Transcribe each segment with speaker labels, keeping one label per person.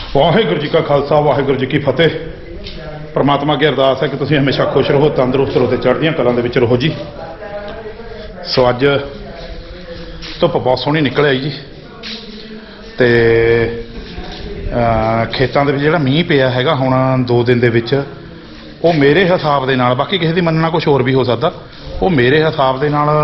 Speaker 1: ਵਾਹਿਗੁਰੂ ਜੀ ਕਾ ਖਾਲਸਾ ਵਾਹਿਗੁਰੂ ਜੀ ਕੀ ਫਤਿਹ। परमात्मा की अरदास है कि तुसीं हमेशा खुश रहो, तंदुरुस्त रहो, चढ़दियां कलां दे विच रहो जी। सो अज धुप्प बहुत सोहनी निकल आई जी, ते खेतां दे विच जिहड़ा मींह पिया हैगा हुण 2 दिन दे विच, वो मेरे हिसाब दे नाल, बाकी किसी दी मनना कुछ होर भी हो सकदा, वो मेरे हिसाब दे नाल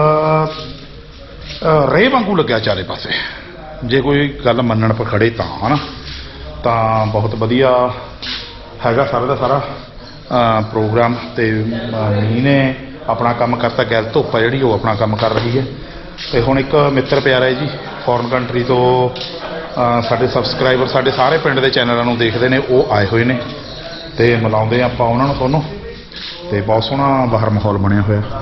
Speaker 1: रेह वांगू लग्या चारे पासे। जे कोई गल मनण पर खड़े तां है ना, तां बहुत वधिया हैगा सारा का सारा प्रोग्राम। तो मींह ने अपना काम करता, गैर धुप्प है जी वो अपना काम कर रही है। तो हुण एक मित्र प्यारा है जी फॉरन कंट्री तो साडे सबसक्राइबर साडे सारे पिंड के चैनलों को देखते हैं, वो आए हुए हैं तो मिलाते हैं आपां उन्हां नूं तुहानूं। तो बहुत सोहना बाहर माहौल बनया होया।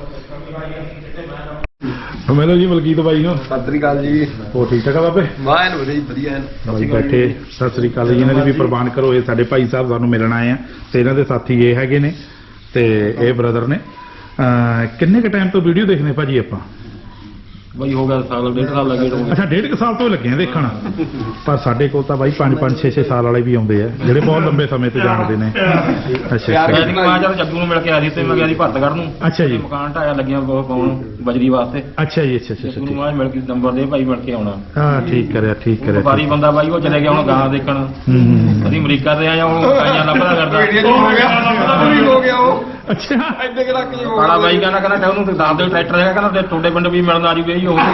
Speaker 1: मिलो जी मलकीत भाई नूं।
Speaker 2: सत श्री अकाल जी।
Speaker 1: हो ठीक ठाक है बाबे?
Speaker 2: वाह वधिया
Speaker 1: भाई बैठे। सत श्री अकाल जी। इन्हां दी भी प्रवान करो, ये साडे भाई साहब सानूं मिलण आए हैं ते इन्हां दे साथी ये हैगे ने ते ये ब्रदर ने। किन्ने क टाइम तो वीडियो देखने भाजी आपां?
Speaker 2: भाई हो गया साल 1.5 साल लगे।
Speaker 1: अच्छा 1.5 साल तो लगे देखण, पर साडे कोल तां भाई 5-5 6-6 साल वाले भी आउंदे आ जिहड़े बहुत लंबे समय तो जानते ने। अच्छा
Speaker 2: मैं जब जग्गू ਨੂੰ ਮਿਲ ਕੇ ਆਇਆ ਸੀ ਤੇ ਮੈਂ ਗਿਆ ਸੀ ਭਰਤਗੜ੍ਹ ਨੂੰ।
Speaker 1: अच्छा जी।
Speaker 2: ਮਕਾਨ ਢਾਇਆ ਲੱਗੀਆਂ ਪਾਉਣ ਬਜਰੀ ਵਾਸਤੇ।
Speaker 1: अच्छा जी। अच्छा
Speaker 2: ਜੱਗੂ ਨੂੰ ਮੈਂ ਮਿਲ ਕੇ ਨੰਬਰ ਦੇ ਭਾਈ ਮਿਲ ਕੇ ਆਉਣਾ।
Speaker 1: ਹਾਂ ਠੀਕ ਕਰਿਆ
Speaker 2: ਵਪਾਰੀ ਬੰਦਾ ਬਾਈ ਉਹ ਚਲੇ ਗਿਆ ਹੁਣ ਗਾਂ ਦੇਖਣ। ਅਸੀਂ ਅਮਰੀਕਾ ਤੇ ਆਇਆ ਉਹ ਆਈਆਂ ਲੱਭਦਾ ਕਰਦਾ ਹੋ ਗਿਆ ਉਹ।
Speaker 1: ਅੱਛਾ
Speaker 2: ਇੱਥੇ ਕਿ ਰੱਖ ਜੀ ਬੜਾ ਬਾਈ ਕਹਿੰਦਾ ਉਹਨੂੰ ਦੱਸ ਦਿਓ ਟਰੈਕਟਰ ਹੈਗਾ, ਕਹਿੰਦਾ ਤੇ ਤੁਹਾਡੇ ਪਿੰਡ ਵੀ ਮਿਲਣ ਆ ਜੂਗੇ ਜੀ ਉਹ।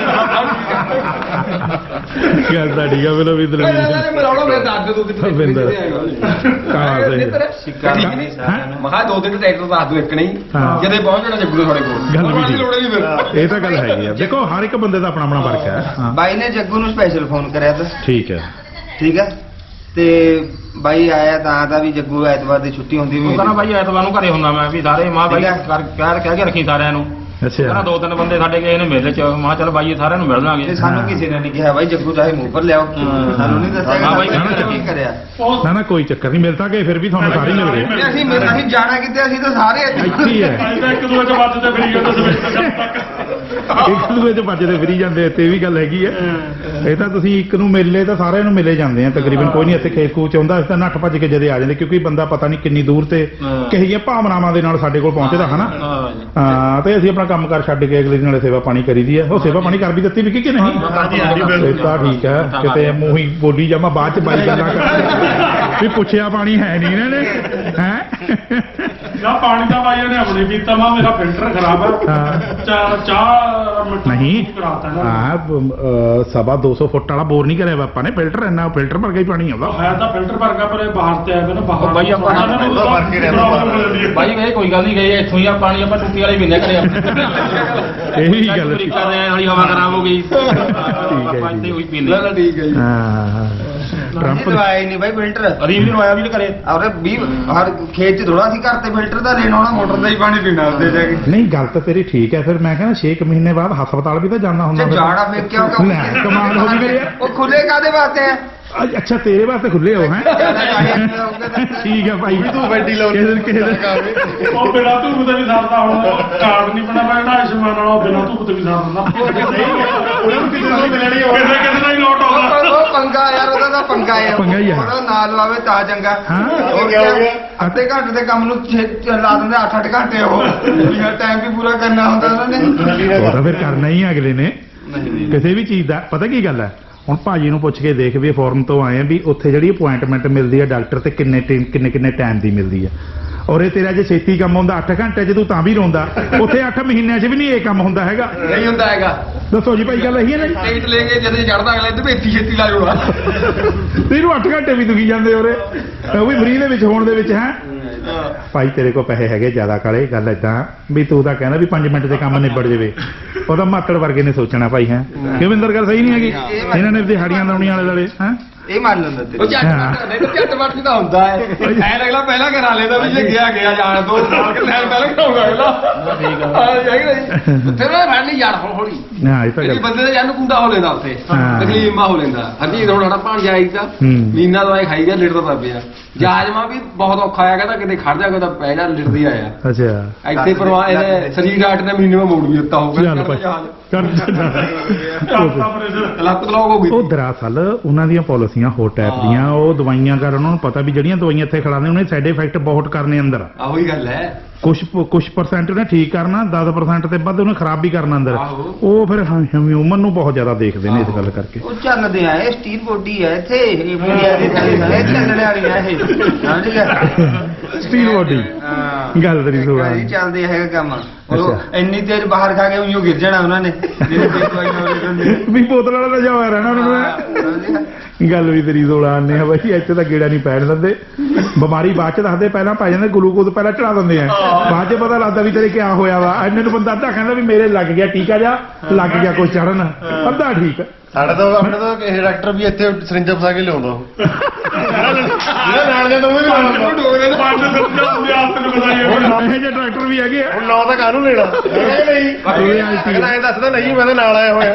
Speaker 1: ਗੱਲ ਤਾਂ ਠੀਕ ਆ। ਮੈਨੂੰ ਵੀ ਦਿਲ
Speaker 2: ਮਿਲਾਉਣਾ ਮੇਰੇ ਦਾਦੇ ਤੋਂ
Speaker 1: ਸਿੱਕਾ ਨਹੀਂ
Speaker 2: ਮਹਾ 2 ਦਿਨ ਟਰੈਕਟਰ ਦੱਸ ਦਿਓ ਇੱਕ ਨਹੀਂ ਜਦੇ ਪਹੁੰਚ ਜਾਣਾ ਜੱਗੂ ਤੁਹਾਡੇ ਕੋਲ।
Speaker 1: ਗੱਲ ਵੀ ਠੀਕ, ਇਹ ਤਾਂ ਗੱਲ ਹੈਗੀ ਆ। ਦੇਖੋ ਹਰ ਇੱਕ ਬੰਦੇ ਦਾ ਆਪਣਾ ਆਪਣਾ ਫਰਕ ਹੈ।
Speaker 3: ਬਾਈ ਨੇ ਜੱਗੂ ਨੂੰ ਸਪੈਸ਼ਲ ਫੋਨ ਕਰਿਆ ਤਾਂ
Speaker 1: ਠੀਕ ਹੈ
Speaker 3: ਤੇ ਬਾਈ ਆਇਆ ਤਾਂ ਵੀ ਜੱਗੂ ਐਤਵਾਰ ਦੀ ਛੁੱਟੀ ਹੁੰਦੀ ਵੀ।
Speaker 2: ਕਹਿੰਦਾ ਬਾਈ ਐਤਵਾਰ ਨੂੰ ਘਰੇ ਹੁੰਦਾ ਮੈਂ ਵੀ ਸਾਰੇ ਮਾਂ ਬਾਈ ਕਹਿ ਕੇ ਰੱਖੀ ਸਾਰਿਆਂ ਨੂੰ।
Speaker 1: ਅੱਛਾ
Speaker 2: 2-3 ਬੰਦੇ ਸਾਡੇ ਗਏ ਨੇ ਮੇਲੇ ਚ, ਮਾਂ ਚੱਲ ਬਾਈ ਸਾਰਿਆਂ ਨੂੰ ਮਿਲ ਲਾਂਗੇ।
Speaker 3: ਸਾਨੂੰ ਕਿਸੇ ਨੇ ਨਹੀਂ ਕਿਹਾ ਬਾਈ ਜੱਗੂ ਚਾਹੇ ਮੂੰਹ ਪਰ ਲਿਆਓ, ਸਾਨੂੰ ਨਹੀਂ ਦੱਸਿਆ
Speaker 2: ਬਾਈ
Speaker 3: ਕੀ ਕਰਿਆ।
Speaker 1: ਨਾ ਕੋਈ ਚੱਕਰ ਨਹੀਂ, ਮਿਲਦਾ ਕਿ ਫਿਰ ਵੀ ਤੁਹਾਨੂੰ ਸਾਰੇ ਮਿਲ ਗਏ।
Speaker 3: ਅਸੀਂ ਜਾਣਾ ਕਿਤੇ, ਅਸੀਂ ਤਾਂ ਸਾਰੇ
Speaker 1: ਇੱਥੇ ਹੀ ਹੈ।
Speaker 2: ਇੱਕ ਦੂਜੇ ਚ ਵੱਜਦੇ ਫਿਰੀ ਜਾਂਦੇ ਸਵੇਰ ਤੱਕ।
Speaker 1: ਇੱਕ ਦੂਜੇ ਚ ਵੱਜਦੇ ਫਿਰੀ ਜਾਂਦੇ, ਤੇ ਇਹ ਵੀ ਗੱਲ ਹੈਗੀ ਹੈ। ਇਹ ਤਾਂ ਤੁਸੀਂ ਇੱਕ ਨੂੰ ਮਿਲੇ ਤਾਂ ਸਾਰਿਆਂ ਨੂੰ ਮਿਲੇ ਜਾਂਦੇ ਆ ਤਕਰੀਬਨ। ਕੋਈ ਨਹੀਂ ਇੱਥੇ ਖੇਤ ਖੂਚ ਆਉਂਦਾ, ਅਸੀਂ ਤਾਂ ਨੱਠ ਭੱਜ ਕੇ ਜਦੇ ਆ ਜਾਂਦੇ, ਕਿਉਂਕਿ ਬੰਦਾ ਪਤਾ ਨਹੀਂ ਕਿੰਨੀ ਦੂਰ ਤੇ ਕਿਹੋ ਜਿਹੀਆਂ ਭਾਵਨਾਵਾਂ ਦੇ ਨਾਲ ਸਾਡੇ ਕੋਲ ਪਹੁੰਚਦਾ ਹੈ ਨਾ। ਹਾਂ ਤੇ ਅਸੀਂ ਆਪਣਾ ਕੰਮ ਕਾਰ ਛੱਡ ਕੇ ਅਗਲੇ ਦਿਨ ਸੇਵਾ ਪਾਣੀ ਕਰੀਦੀ ਹੈ। ਉਹ ਸੇਵਾ ਪਾਣੀ ਕਰ ਵੀ ਦਿੱਤੀ ਵੀ ਕਿ ਨਹੀਂ? ਇਹ ਤਾਂ ਠੀਕ ਹੈ। ਕਿਤੇ ਮੂੰਹ ਹੀ ਬੋਲੀ ਜਾਵਾਂ ਬਾਅਦ ਚ ਬਾਈ ਗੱਲਾਂ ਕਰ ਵੀ ਪੁੱਛਿਆ ਪਾਣੀ ਹੈ ਨਹੀਂ ਇਹਨਾਂ ਨੇ ਹੈ
Speaker 4: ਨਾ ਪਾਣੀ ਦਾ ਬਾਈ ਨੇ ਆਪਣੇ ਪੀਤਾ ਮਾ ਮੇਰਾ ਫਿਲਟਰ ਖਰਾਬ ਹੈ। ਚਾਹ
Speaker 1: ਨਹੀਂ
Speaker 4: ਕਰਾਤਾ ਨਾ।
Speaker 1: ਹਾਂ 250 ਫੁੱਟ ਵਾਲਾ ਬੋਰ ਨਹੀਂ ਕਰਿਆ ਆਪਾਂ ਨੇ। ਫਿਲਟਰ ਇੰਨਾ ਫਿਲਟਰ ਭਰ ਕੇ ਹੀ ਪਾਣੀ ਆਉਂਦਾ
Speaker 4: ਹੈ ਤਾਂ ਫਿਲਟਰ ਭਰ ਕੇ ਪਰ ਇਹ ਬਾਹਰ ਤੇ ਆਇਆ ਨਾ ਬਾਹਰ।
Speaker 2: ਬਾਈ ਆਪਾਂ ਬਾਈ ਇਹ ਕੋਈ ਗੱਲ ਨਹੀਂ ਗਈ ਇੱਥੋਂ ਹੀ ਆ ਪਾਣੀ ਆਪਾਂ ਟੁੱਟੀ ਵਾਲੀ ਪੀਂਦੇ ਕਰੇ
Speaker 1: ਇਹ ਵੀ ਗੱਲ
Speaker 2: ਅਮਰੀਕਾ ਦੇ ਵਾਲੀ ਹਵਾ ਖਰਾਬ ਹੋ ਗਈ।
Speaker 1: ਠੀਕ
Speaker 2: ਉਹੀ ਪੀਂਦੇ।
Speaker 3: ਠੀਕ ਹੈ ਜੀ।
Speaker 1: ਹਾਂ ਟਰੰਪ
Speaker 3: ਲਵਾਇਆ ਨਹੀਂ ਬਾਈ ਫਿਲਟਰ।
Speaker 2: ਅਰੀਬ ਵੀ ਲਵਾਇਆ ਵੀ ਕਰੇ
Speaker 3: ਔਰ 20 ਹਰ ਖੇਤ ਚ ਥੋੜਾ ਸੀ, ਘਰ ਤੇ ਫਿਲਟਰ ਦਾ ਲੈਣ ਆਉਣਾ, ਮੋਟਰ ਦਾ ਹੀ ਪਾਣੀ ਪੀਣਾ ਉੱਤੇ ਜਾ ਕੇ।
Speaker 1: ਨਹੀਂ ਗੱਲ ਤਾਂ ਤੇਰੀ ਠੀਕ ਹੈ। ਫਿਰ ਮੈਂ ਕਹਿੰਦਾ 6 ਮਹੀਨੇ ਬਾਅਦ ਹਸਪਤਾਲ ਵੀ ਤਾਂ ਜਾਣਾ ਹੁੰਦਾ।
Speaker 3: ਜਾਣਾ ਫਿਰ ਕਿਉਂ
Speaker 1: ਕਮਾਲ ਹੋ ਗਈ ਮੇਰੀ।
Speaker 3: ਉਹ ਖੁੱਲੇ ਕਾਦੇ ਵਾਸਤੇ ਆ?
Speaker 1: ਅੱਛਾ ਤੇਰੇ ਵਾਸਤੇ ਖੁੱਲੇ ਹੋ ਹੈ। ਠੀਕ ਹੈ ਭਾਈ ਤੂੰ ਬੈਠੀ ਲਾਉ
Speaker 4: ਉਹ ਬਿਨਾ ਧੂਪ ਤੇ ਵੀ ਸਰਦਾ। ਹੁਣ ਕਾਰਡ ਨਹੀਂ ਬਣਾ ਪੈਣਾ ਆਯੁਸ਼ਮਾਨ ਵਾਲਾ, ਬਿਨਾ ਧੂਪ ਤੇ ਵੀ ਸਰ ਦਿੰਦਾ। ਉਹਨਾਂ ਨੂੰ ਕਿਸੇ ਨੂੰ ਮਿਲਣੀ ਹੋਵੇ ਕਿਸੇ ਦਾ ਹੀ ਲੋਟ ਆਉਂਦਾ।
Speaker 3: ਉਹ ਪੰਗਾ ਯਾਰ, ਉਹਦਾ ਤਾਂ ਪੰਗਾ ਆ।
Speaker 1: ਪੰਗਾ ਹੀ ਆ।
Speaker 3: ਉਹਦਾ ਨਾਲ ਲਵਾਵੇ ਤਾਂ ਚੰਗਾ।
Speaker 1: ਹਾਂ
Speaker 3: ਅੱਧੇ ਘੰਟੇ ਦੇ ਕੰਮ ਨੂੰ ਲਾ ਦਿੰਦੇ 8-8 ਘੰਟੇ। ਉਹ ਟਾਈਮ ਵੀ ਪੂਰਾ ਕਰਨਾ ਹੁੰਦਾ ਉਹਨਾਂ ਨੇ।
Speaker 1: ਉਹ ਤਾਂ ਫਿਰ ਕਰਨਾ ਹੀ ਅਗਲੇ ਨੇ ਕਿਸੇ ਵੀ ਚੀਜ਼ ਦਾ। ਪਤਾ ਕੀ ਗੱਲ ਹੈ, ਹੁਣ ਭਾਜੀ ਨੂੰ ਪੁੱਛ ਕੇ ਦੇਖ ਵੀ ਫੋਰਨ ਤੋਂ ਆਏ ਆ ਵੀ ਉੱਥੇ ਜਿਹੜੀ ਅਪੁਆਇੰਟਮੈਂਟ ਮਿਲਦੀ ਹੈ ਡਾਕਟਰ ਤੇ ਕਿੰਨੇ ਟਾਈਮ ਦੀ ਮਿਲਦੀ ਹੈ। ਔਰ ਇਹ ਤੇਰਾ ਜੇ ਛੇਤੀ ਕੰਮ ਹੁੰਦਾ 8 ਘੰਟੇ 'ਚ ਤੂੰ ਤਾਂ ਵੀ ਰੋਂਦਾ। ਉੱਥੇ 8 ਮਹੀਨਿਆਂ 'ਚ ਵੀ ਨਹੀਂ ਇਹ ਕੰਮ ਹੁੰਦਾ ਹੈਗਾ।
Speaker 3: ਨਹੀਂ ਹੁੰਦਾ ਹੈਗਾ।
Speaker 1: ਦੱਸੋ ਜੀ ਭਾਈ ਗੱਲ ਇਹੀ ਹੈ ਨਾ ਜੀ।
Speaker 3: ਟਿਕਟ ਲੈ ਕੇ ਜਦੋਂ ਚੜਦਾ ਅਗਲੇ ਤੇ ਛੇਤੀ ਲਾ ਜੂਗਾ।
Speaker 1: ਤੈਨੂੰ 8 ਘੰਟੇ ਵੀ ਦੁਖੀ ਜਾਂਦੇ ਉਰੇ, ਉਹ ਵੀ ਫਰੀ ਦੇ ਵਿੱਚ ਹੋਣ ਦੇ ਵਿੱਚ ਹੈ। ਭਾਈ ਤੇਰੇ ਕੋਲ ਪੈਸੇ ਹੈਗੇ ਜ਼ਿਆਦਾ ਕਾਲੇ। ਗੱਲ ਏਦਾਂ ਵੀ ਤੂੰ ਤਾਂ ਕਹਿੰਦਾ ਵੀ 5 ਮਿੰਟ ਦੇ ਕੰਮ ਨਿਬੜ ਜਾਵੇ। ਉਹਦਾ ਮਾਤੜ ਵਰਗੇ ਨੇ ਸੋਚਣਾ ਭਾਈ ਹੈ। ਕਿਵਿੰਦਰ ਗੱਲ ਸਹੀ ਨਹੀਂ ਹੈਗੀ। ਇਹਨਾਂ ਨੇ ਦਿਹਾੜੀਆਂ ਲਾਉਣੀਆਂ ਵਾਲੇ ਵਾਲੇ ਹੈ।
Speaker 3: ਇਹ ਮੰਨ ਲੈਂਦਾ ਤੇ ਝੱਟ ਵੱਟ ਦਾ ਹੁੰਦਾ ਹੈ। ਐਨ ਅਗਲਾ ਪਹਿਲਾਂ ਕਰਾ ਲੈਂਦਾ ਵੀ ਜੇ ਗਿਆ ਜਾਣ ਦੋ ਸਾਲ ਕਿ ਪਹਿਲਾਂ ਕਰਾਉਂਦਾ ਅਗਲਾ। ਠੀਕ ਆ ਫਿਰ ਉਹ ਫੜ ਲਈ ਯਾਰ ਹੌਲੀ।
Speaker 1: ਹਾਂ ਇਹ ਤਾਂ ਗੱਲ
Speaker 3: ਬੰਦੇ ਦਾ ਜਾਨ ਕੁੰਡਾ ਹੋ ਲੈਂਦਾ ਉੱਥੇ, ਤਕਲੀਫ ਹੋ ਲੈਂਦਾ। ਹਰਜੀਤ ਹੁਣ ਸਾਡਾ ਭਾਣਜਾ ਆਈ ਤਾਂ ਮੀਨਾ ਦਵਾਈ ਖਾਈ ਗਿਆ, ਲਿਟਦਾ ਤਾਂ ਪਿਆ। ਜਾਜਮਾ ਵੀ ਬਹੁਤ ਔਖਾ ਆਇਆ, ਕਹਿੰਦਾ ਕਿਤੇ ਖੜ ਜਾ, ਕਿਤੇ ਪੈ ਜਾ, ਲਿਟਦੀ ਆਇਆ।
Speaker 1: ਅੱਛਾ
Speaker 3: ਇੱਥੇ ਪਰਵਾਹ ਇਹਨੇ ਸਰੀਰ ਡਾਕਟਰ ਨੇ ਮਹੀਨੇ ਮੋੜ ਵੀ ਦਿੱਤਾ ਹੋਊਗਾ।
Speaker 4: ਕਰਤਾ ਪ੍ਰੈਸ਼ਰ
Speaker 3: ਲੱਤ ਬਲੌਕ ਹੋ ਗਈ
Speaker 1: ਉਹ ਦਰਅਸਲ ਉਹਨਾਂ ਦੀਆਂ ਪਾਲਿਸੀਆਂ ਹੋਰ ਟਾਈਪ ਦੀਆਂ ਉਹ ਦਵਾਈਆਂ ਕਰ ਉਹਨਾਂ ਨੂੰ ਪਤਾ ਵੀ ਜਿਹੜੀਆਂ ਦਵਾਈਆਂ ਇੱਥੇ ਖਿਲਾਉਂਦੇ ਉਹਨੇ ਸਾਈਡ ਇਫੈਕਟ ਬਹੁਤ ਕਰਨੇ ਅੰਦਰ
Speaker 3: ਆਹੋ ਹੀ ਗੱਲ ਹੈ
Speaker 1: ਕੁਝ ਪਰਸੈਂਟ ਉਹਨੇ ਠੀਕ ਕਰਨਾ 10% ਤੇ ਵੱਧ ਉਹਨੇ ਖਰਾਬ ਵੀ ਕਰਨਾ ਅੰਦਰ
Speaker 3: ਆਹੋ।
Speaker 1: ਉਹ ਫਿਰ ਹਿਊਮਨ ਨੂੰ ਬਹੁਤ ਜ਼ਿਆਦਾ ਦੇਖਦੇ ਨੇ ਇਸ ਗੱਲ ਕਰਕੇ
Speaker 5: ਉਹ ਚੱਲਦੇ ਆ ਇਹ ਸਟੀਲ ਬੋਡੀ ਹੈ ਇੱਥੇ ਇਹ ਮੁੰਡਿਆਂ ਦੀ ਸਾਰੇ ਚੱਲਣ ਵਾਲੀ ਆ ਇਹ ਸਮਝ ਗਿਆ
Speaker 1: ਸਟੀਲ ਬੋਡੀ
Speaker 5: ਹਾਂ
Speaker 1: ਗੱਲ ਤੇਰੀ ਸੋਹਣਾ
Speaker 5: ਇਹ ਚੱਲਦੇ ਹੈਗਾ ਕੰਮ ਉਹ
Speaker 1: ਅੱਛਾ।
Speaker 5: ਇੰਨੀ ਤੇਜ਼ ਬਾਹਰ ਖਾ ਕੇ ਉਈਓ ਗਿਰ ਜਾਣਾ ਉਹਨਾਂ ਨੇ ਜਿਹੜੇ ਤੇ ਕੋਈ ਨਾ ਹੁੰਦੇ
Speaker 1: ਵੀ ਬੋਤਲ ਵਾਲਾ ਤਾਂ ਜਾਇਆ ਰਹਿਣਾ ਉਹਨਾਂ ਨੂੰ ਗੱਲ ਵੀ ਤੇਰੀ ਸੋਹਣਾ ਆਨੇ ਆ ਬਾਈ ਇੱਥੇ ਤਾਂ ਗੇੜਾ ਨਹੀਂ ਪੈਣ ਦਿੰਦੇ ਬਿਮਾਰੀ ਬਾਅਦ ਚ ਦੱਸਦੇ ਪਹਿਲਾਂ ਪੈ ਜਾਂਦੇ ਗਲੂਕੋਜ਼ ਪਹਿਲਾਂ ਚੜਾ ਦਿੰਦੇ ਆ ਬਾਅਦ ਚ ਪਤਾ ਲੱਗਦਾ ਵੀ ਤੇਰੇ ਕਿਆ ਹੋਇਆ ਵਾ ਇੰਨੇ ਨੂੰ ਬੰਦਾ ਅੱਧਾ ਕਹਿੰਦਾ ਵੀ ਮੇਰੇ ਲੱਗ ਗਿਆ ਟੀਕਾ ਜਾ ਲੱਗ ਗਿਆ ਕੋਈ ਚੜਨ ਅੱਧਾ ਠੀਕ
Speaker 6: ਸਾਡੇ ਤਾਂ ਆਪਣੇ ਤਾਂ ਇਹ ਡਾਕਟਰ ਵੀ ਇੱਥੇ ਸਰਿੰਜ ਫਸਾ ਕੇ ਲਿਆਉਂਦਾ ਉਹ ਜਿਹੜਾ ਨਾਲ ਦੇ ਤੋਂ ਵੀ ਲਿਆਉਂਦਾ
Speaker 3: ਡੋਗਰੇ
Speaker 4: ਪੰਜ ਸੱਜਾ ਹੁੰਦੇ ਆਪ ਨੂੰ ਬਤਾਈਏ
Speaker 1: ਇਹ ਜਿਹੇ ਡਾਕਟਰ ਵੀ ਹੈਗੇ ਆ
Speaker 6: ਹੁਣ ਨਾਂ ਤਾਂ ਕਾਹਨੂੰ ਲੈਣਾ ਨਹੀਂ ਅਗਲਾ ਇਹ ਦੱਸਦਾ ਨਹੀਂ ਮੈਂ ਤਾਂ ਨਾਲ ਆਇਆ ਹੋਇਆ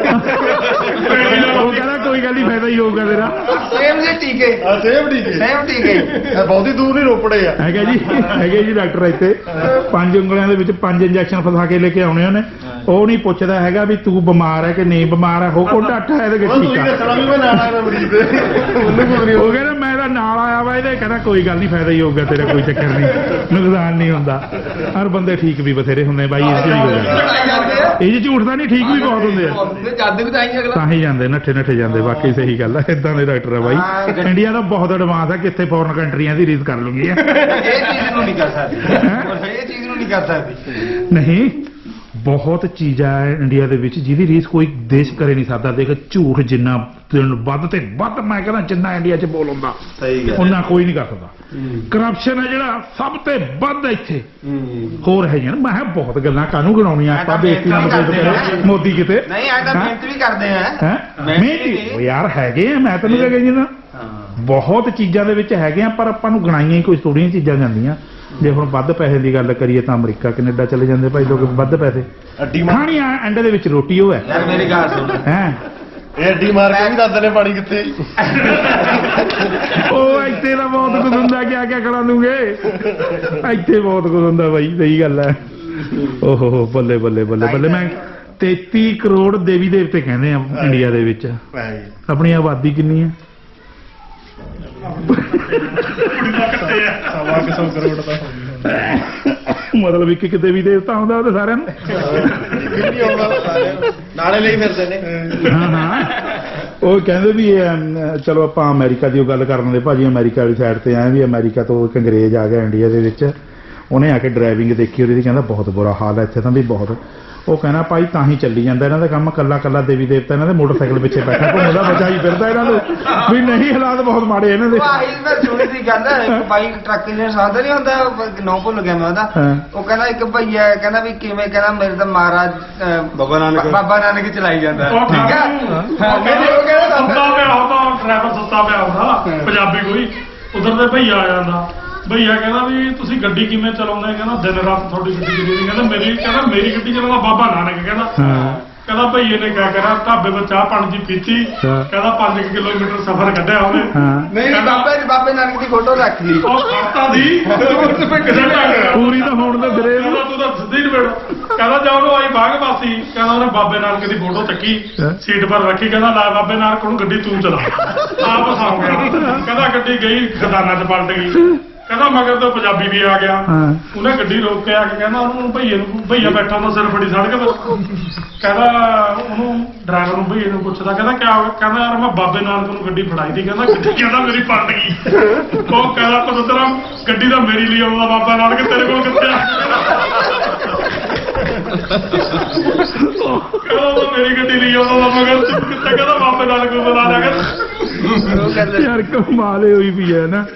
Speaker 1: ਉਹ ਕਹਿੰਦਾ ਕੋਈ ਗੱਲ ਨਹੀਂ ਫਾਇਦਾ ਹੀ ਹੋਊਗਾ ਤੇਰਾ
Speaker 5: ਸੇਮ ਦੇ ਟੀਕੇ
Speaker 6: ਆ ਸੇਬ ਠੀਕ ਹੈ
Speaker 5: ਸੇਮ ਟੀਕੇ
Speaker 6: ਇਹ ਬਹੁਤੀ ਦੂਰ ਨਹੀਂ ਰੋਪੜੇ ਆ
Speaker 1: ਹੈਗੇ ਜੀ ਡਾਕਟਰ ਇੱਥੇ 5 ਉਂਗਲਾਂ ਦੇ ਵਿੱਚ 5 ਇੰਜੈਕਸ਼ਨ ਫਸਾ ਕੇ ਲੈ ਕੇ ਆਉਣੇ ਉਹਨੇ ਉਹ ਨਹੀਂ ਪੁੱਛਦਾ ਹੈਗਾ ਵੀ ਤੂੰ ਬਿਮਾਰ ਹੈ ਕਿ ਨਹੀਂ ਬਿਮਾਰ ਹੈ ਹੋ ਕੋ ਡਾਟਾ ਇਹਦੇ ਵਿੱਚ
Speaker 6: ਉਹ ਤੁਸੀਂ
Speaker 1: ਟੀਕਾ
Speaker 6: ਦੱਸਣਾ ਵੀ ਮੈਂ ਨਾਲ ਆਇਆ ਮਰੀਜ਼ ਦੇ ਉਹਨੂੰ ਕੁਝ ਨਹੀਂ
Speaker 1: ਉਹ ਕਹਿੰਦਾ ਮੈਂ ਤਾਂ ਨਾਲ ਆਇਆ ਵਾ ਇਹਦੇ ਕਹਿੰਦਾ ਕੋਈ ਗੱਲ ਨਹੀਂ ਫਾਇਦਾ ਹੀ ਹੋਊਗਾ ਤੇਰਾ ਕੋਈ ਚੱਕਰ ਨਹੀਂ ਨੁਕਸਾਨ ਨਹੀਂ ਹੁੰਦਾ ਹਰ ਬੰਦੇ ਠੀਕ ਵੀ ਬਥੇਰੇ ਹੁੰਦੇ ਬਾਈ ਇਸ ਚ ਹੀ ਹੋ ਜਾਂਦਾ ਇਹ ਜੀ ਝੂਠ ਤਾਂ ਨਹੀਂ ਠੀਕ ਵੀ ਬਹੁਤ ਹੁੰਦੇ ਆ
Speaker 3: ਜਾਂਦੇ ਵੀ ਤਾਂ ਹੀ ਅਗਲਾ
Speaker 1: ਤਾਂ ਹੀ ਜਾਂਦੇ ਨੱਠੇ ਜਾਂਦੇ ਬਾਕੀ ਸਹੀ ਗੱਲ ਹੈ ਇਦਾਂ ਦੇ ਡਾਕਟਰ ਆ ਬਾਈ ਇੰਡੀਆ ਦਾ ਬਹੁਤ ਐਡਵਾਂਸ ਹੈ ਕਿੱਥੇ ਫੋਰਨ ਕੰਟਰੀਆਂ ਦੀ ਰੀਸ ਕਰ ਲੂੰਗੀ
Speaker 5: ਇਹ ਚੀਜ਼ ਨੂੰ ਨਹੀਂ ਕਰ ਸਕਦੀ ਇਹ ਚੀਜ਼ ਨੂੰ ਨਹੀਂ ਕਰ ਸਕਦੀ
Speaker 1: ਨਹੀਂ ਬਹੁਤ ਚੀਜ਼ਾਂ ਹੈ ਇੰਡੀਆ ਦੇ ਵਿੱਚ ਜਿਹਦੀ ਰੀਸ ਕੋਈ ਦੇਸ਼ ਕਰੇ ਨਹੀਂ ਸਕਦਾ ਦੇਖ ਝੂਠ ਜਿੰਨਾ ਵੱਧ ਤੇ ਵੱਧ ਮੈਂ ਕਹਿੰਦਾ ਜਿੰਨਾ ਇੰਡੀਆ 'ਚ ਬੋਲ ਹੁੰਦਾ
Speaker 3: ਸਹੀ
Speaker 1: ਉਹਨਾਂ ਕੋਈ ਨਹੀਂ ਕਰ ਸਕਦਾ ਕਰਪਸ਼ਨ ਹੈ ਜਿਹੜਾ ਸਭ ਤੇ ਵੱਧ ਇੱਥੇ ਹੋਰ ਹੈ ਯਾਰ ਮੈਂ ਬਹੁਤ ਗੱਲਾਂ ਕਾਹਨੂੰ ਗਣਾਉਣੀਆਂ ਆਪਾਂ ਬੇਇੱਜ਼ਤੀ ਨਾਲ ਮਤਲਬ ਮੋਦੀ ਕਿਤੇ
Speaker 5: ਨਹੀਂ ਆ ਤਾਂ ਮਿਹਨਤ ਵੀ ਕਰਦੇ ਆ
Speaker 1: ਹੈ ਮਿਹਨਤੀ ਉਹ ਯਾਰ ਹੈਗੇ ਆ ਮੈਂ ਤੈਨੂੰ ਕਹਿੰਦਾ ਜੀ ਨਾ ਬਹੁਤ ਚੀਜ਼ਾਂ ਦੇ ਵਿੱਚ ਹੈਗੇ ਆ ਪਰ ਆਪਾਂ ਨੂੰ ਗਣਾਈਆਂ ਹੀ ਕੋਈ ਥੋੜੀਆਂ ਚੀਜ਼ਾਂ ਜਾਂਦੀਆਂ ਜੇ ਹੁਣ ਵੱਧ ਪੈਸੇ ਦੀ ਗੱਲ ਕਰੀਏ ਤਾਂ ਅਮਰੀਕਾ ਕੈਨੇਡਾ ਚਲੇ ਜਾਂਦੇ ਭਾਈ ਲੋਕ ਵੱਧ ਪੈਸੇ
Speaker 6: ਅੱਡੀ ਮਾਰ
Speaker 1: ਖਾਣੀ ਆ ਐਂਡ ਦੇ ਵਿੱਚ ਰੋਟੀ ਉਹ ਹੈ
Speaker 5: ਯਾਰ ਮੇਰੀ ਗੱਲ ਸੁਣ
Speaker 1: ਹੈ
Speaker 6: ਇਹ ਅੱਡੀ ਮਾਰ ਕੇ ਵੀ ਦੱਸਦੇ ਨੇ ਪਾਣੀ ਕਿੱਥੇ
Speaker 1: ਉਹ ਇੱਥੇ ਦਾ ਬਹੁਤ ਕੁਝ ਹੁੰਦਾ ਕਿਆ ਕਰਾ ਲੂਗੇ ਇੱਥੇ ਬਹੁਤ ਕੁਝ ਹੁੰਦਾ ਬਾਈ ਸਹੀ ਗੱਲ ਹੈ ਓਹੋ ਬੱਲੇ ਬੱਲੇ ਬੱਲੇ ਬੱਲੇ ਮੈਂ 33 ਕਰੋੜ ਦੇਵੀ ਦੇਵਤੇ ਕਹਿੰਦੇ ਆ ਇੰਡੀਆ ਦੇ ਵਿੱਚ ਆਪਣੀ ਆਬਾਦੀ ਕਿੰਨੀ ਹੈ
Speaker 6: ਸਵਾ 100 ਕਰੋੜ ਦਾ
Speaker 1: ਮਤਲਬ ਇੱਕ ਦੇਵੀ ਦੇਵਤਾ ਹੁੰਦਾ ਉਹਦੇ ਸਾਰਿਆਂ ਨੂੰ
Speaker 6: ਕਿੰਨੀ ਆਉਂਦਾ ਸਾਰੇ ਨਾਲੇ ਲਈ ਫਿਰਦੇ ਨੇ
Speaker 1: ਹਾਂ ਉਹ ਕਹਿੰਦੇ ਵੀ ਚਲੋ ਆਪਾਂ ਅਮਰੀਕਾ ਦੀ ਉਹ ਗੱਲ ਕਰਨ ਦੇ ਭਾਜੀ ਅਮਰੀਕਾ ਵਾਲੀ ਸਾਈਡ ਤੇ ਆਏ ਵੀ ਅਮਰੀਕਾ ਤੋਂ ਇੱਕ ਅੰਗਰੇਜ਼ ਆ ਗਿਆ ਇੰਡੀਆ ਦੇ ਵਿੱਚ ਉਹਨੇ ਆ ਕੇ ਡਰਾਈਵਿੰਗ ਦੇਖੀ ਉਹਦੀ ਕਹਿੰਦਾ ਬਹੁਤ ਬੁਰਾ ਹਾਲ ਹੈ ਇੱਥੇ ਤਾਂ ਵੀ ਬਹੁਤ ਉਹ ਕਹਿੰਦਾ ਭਾਈ ਤਾਂ ਹੀ ਚੱਲੀ ਜਾਂਦਾ ਇਹਨਾਂ ਦਾ ਕੰਮ ਕੱਲਾ ਦੇਵੀ ਦੇਵਤਾ ਇਹਨਾਂ ਦੇ ਮੋਟਰਸਾਈਕਲ ਪਿੱਛੇ ਬੈਠਾ ਘੁੰਮਦਾ ਬਚਾਈ ਫਿਰਦਾ ਇਹਨਾਂ ਨੂੰ ਵੀ ਨਹੀਂ ਹਾਲਾਤ ਬਹੁਤ ਮਾੜੇ ਇਹਨਾਂ ਦੇ
Speaker 5: ਆਹੀ ਮੈਂ ਸੁਣੀ ਸੀ ਗੱਲ ਇੱਕ ਬਾਈ ਟਰੱਕ ਇੰਜਨ ਸਾਦਾ ਨਹੀਂ ਹੁੰਦਾ ਨੌ ਭੁੱਲ ਗਿਆ ਮੈਂ ਉਹਦਾ ਉਹ ਕਹਿੰਦਾ ਇੱਕ ਭਈਆ ਕਹਿੰਦਾ ਵੀ ਕਿਵੇਂ ਕਹਿੰਦਾ ਮੇਰੇ ਤਾਂ ਮਹਾਰਾਜ ਬਾਬਾ ਨਾਨਕ ਚਲਾਈ ਜਾਂਦਾ ਠੀਕ ਹੈ
Speaker 4: ਉਹ ਕਹਿੰਦਾ ਸੁੱਤਾ ਪਿਆ ਹੁੰਦਾ ਡਰਾਈਵਰ ਸੁੱਤਾ ਪਿਆ ਹੁੰਦਾ ਪੰਜਾਬੀ ਕੋਈ ਉਧਰ ਦੇ ਭਈਆ ਆ ਜਾਂਦਾ ਭਈਆ ਕਹਿੰਦਾ ਵੀ ਤੁਸੀਂ ਗੱਡੀ ਕਿਵੇਂ ਚਲਾਉਂਦੇ ਕਹਿੰਦਾ ਦਿਨ ਰਾਤ ਤੁਹਾਡੀ ਗੱਡੀ ਚਲਾਉਂਦੀ ਕਹਿੰਦਾ ਮੇਰੀ ਗੱਡੀ ਚਲਾਉਂਦਾ ਬਾਬਾ ਨਾਨਕ ਕਹਿੰਦਾ ਭਈਏ ਨੇ ਕਿਆ ਕਰਿਆ ਢਾਬੇ ਤੋਂ ਚਾਹ ਪਾਣੀ ਦੀ ਪੀਤੀ ਕਹਿੰਦਾ 5 ਕਿਲੋਮੀਟਰ ਸਫ਼ਰ ਕੱਢਿਆ ਉਹਨੇ
Speaker 5: ਨਹੀਂ ਬਾਬੇ ਨਾਨਕ ਦੀ ਫੋਟੋ ਰੱਖ ਲਈ
Speaker 4: ਉਹ ਖੜਤਾ ਦੀ
Speaker 1: ਪੂਰੀ ਤਾਂ ਹੋਣ ਦੇ ਦਰੇ
Speaker 4: ਕਹਿੰਦਾ ਤੂੰ ਤਾਂ ਸਿੱਧੀ ਨਿਬੜ ਕਹਿੰਦਾ ਜਾ ਉਹਨੂੰ ਆਈ ਬਾਗਬਾਸੀ ਕਹਿੰਦਾ ਉਹਨੇ ਬਾਬੇ ਨਾਨਕ ਦੀ ਫੋਟੋ ਚੱਕੀ ਸੀਟ ਪਰ ਰੱਖੀ ਕਹਿੰਦਾ ਲੈ ਬਾਬੇ ਨਾਨਕ ਨੂੰ ਗੱਡੀ ਤੂੰ ਚਲਾ ਆਪ ਸੌਂ ਗਿਆ ਕਹਿੰਦਾ ਗੱਡੀ ਗਈ ਖਜ਼ਾਨਾ 'ਚ ਪਲਟ ਗਈ ਕਹਿੰਦਾ ਮਗਰ ਤੋਂ ਪੰਜਾਬੀ ਵੀ ਆ ਗਿਆ ਉਹਨੇ ਗੱਡੀ ਰੋਕ ਕੇ ਆ ਕੇ ਕਹਿੰਦਾ ਉਹਨੂੰ ਭਈਆ ਬੈਠਾ ਹੁੰਦਾ ਸਿਰ ਫੜੀ ਸੜਕ ਤੇ ਕਹਿੰਦਾ ਉਹਨੂੰ ਡਰਾਈਵਰ ਨੂੰ ਭਈਏ ਨੂੰ ਪੁੱਛਦਾ ਕਹਿੰਦਾ ਕਿਆ ਹੋ ਗਿਆ ਕਹਿੰਦਾ ਯਾਰ ਮੈਂ ਬਾਬੇ ਨਾਨਕ ਨੂੰ ਗੱਡੀ ਫੜਾਈ ਦੀ ਕਹਿੰਦਾ ਗੱਡੀ ਕਹਿੰਦਾ ਮੇਰੀ ਪਲਟ ਗਈ ਉਹ ਕਹਿੰਦਾ ਪਤਰਾ ਗੱਡੀ ਤਾਂ ਮੇਰੀ ਲਈ ਆਉਂਦਾ ਬਾਬਾ ਨਾਨਕ ਤੇਰੇ ਕੋਲ ਕਿੱਥੇ ਆ ਕਹਿੰਦਾ ਮੇਰੀ ਗੱਡੀ ਲਈ ਆਉਂਦਾ ਮਗਰ ਕਿੱਥੇ ਕਹਿੰਦਾ ਬਾਬੇ ਨਾਨਕ ਨੂੰ ਬੁਲਾ ਲਿਆ ਕਹਿੰਦਾ
Speaker 1: ਯਾਰ ਕਮਾਲ ਹੋਈ ਪਈ ਹੈ ਨਾ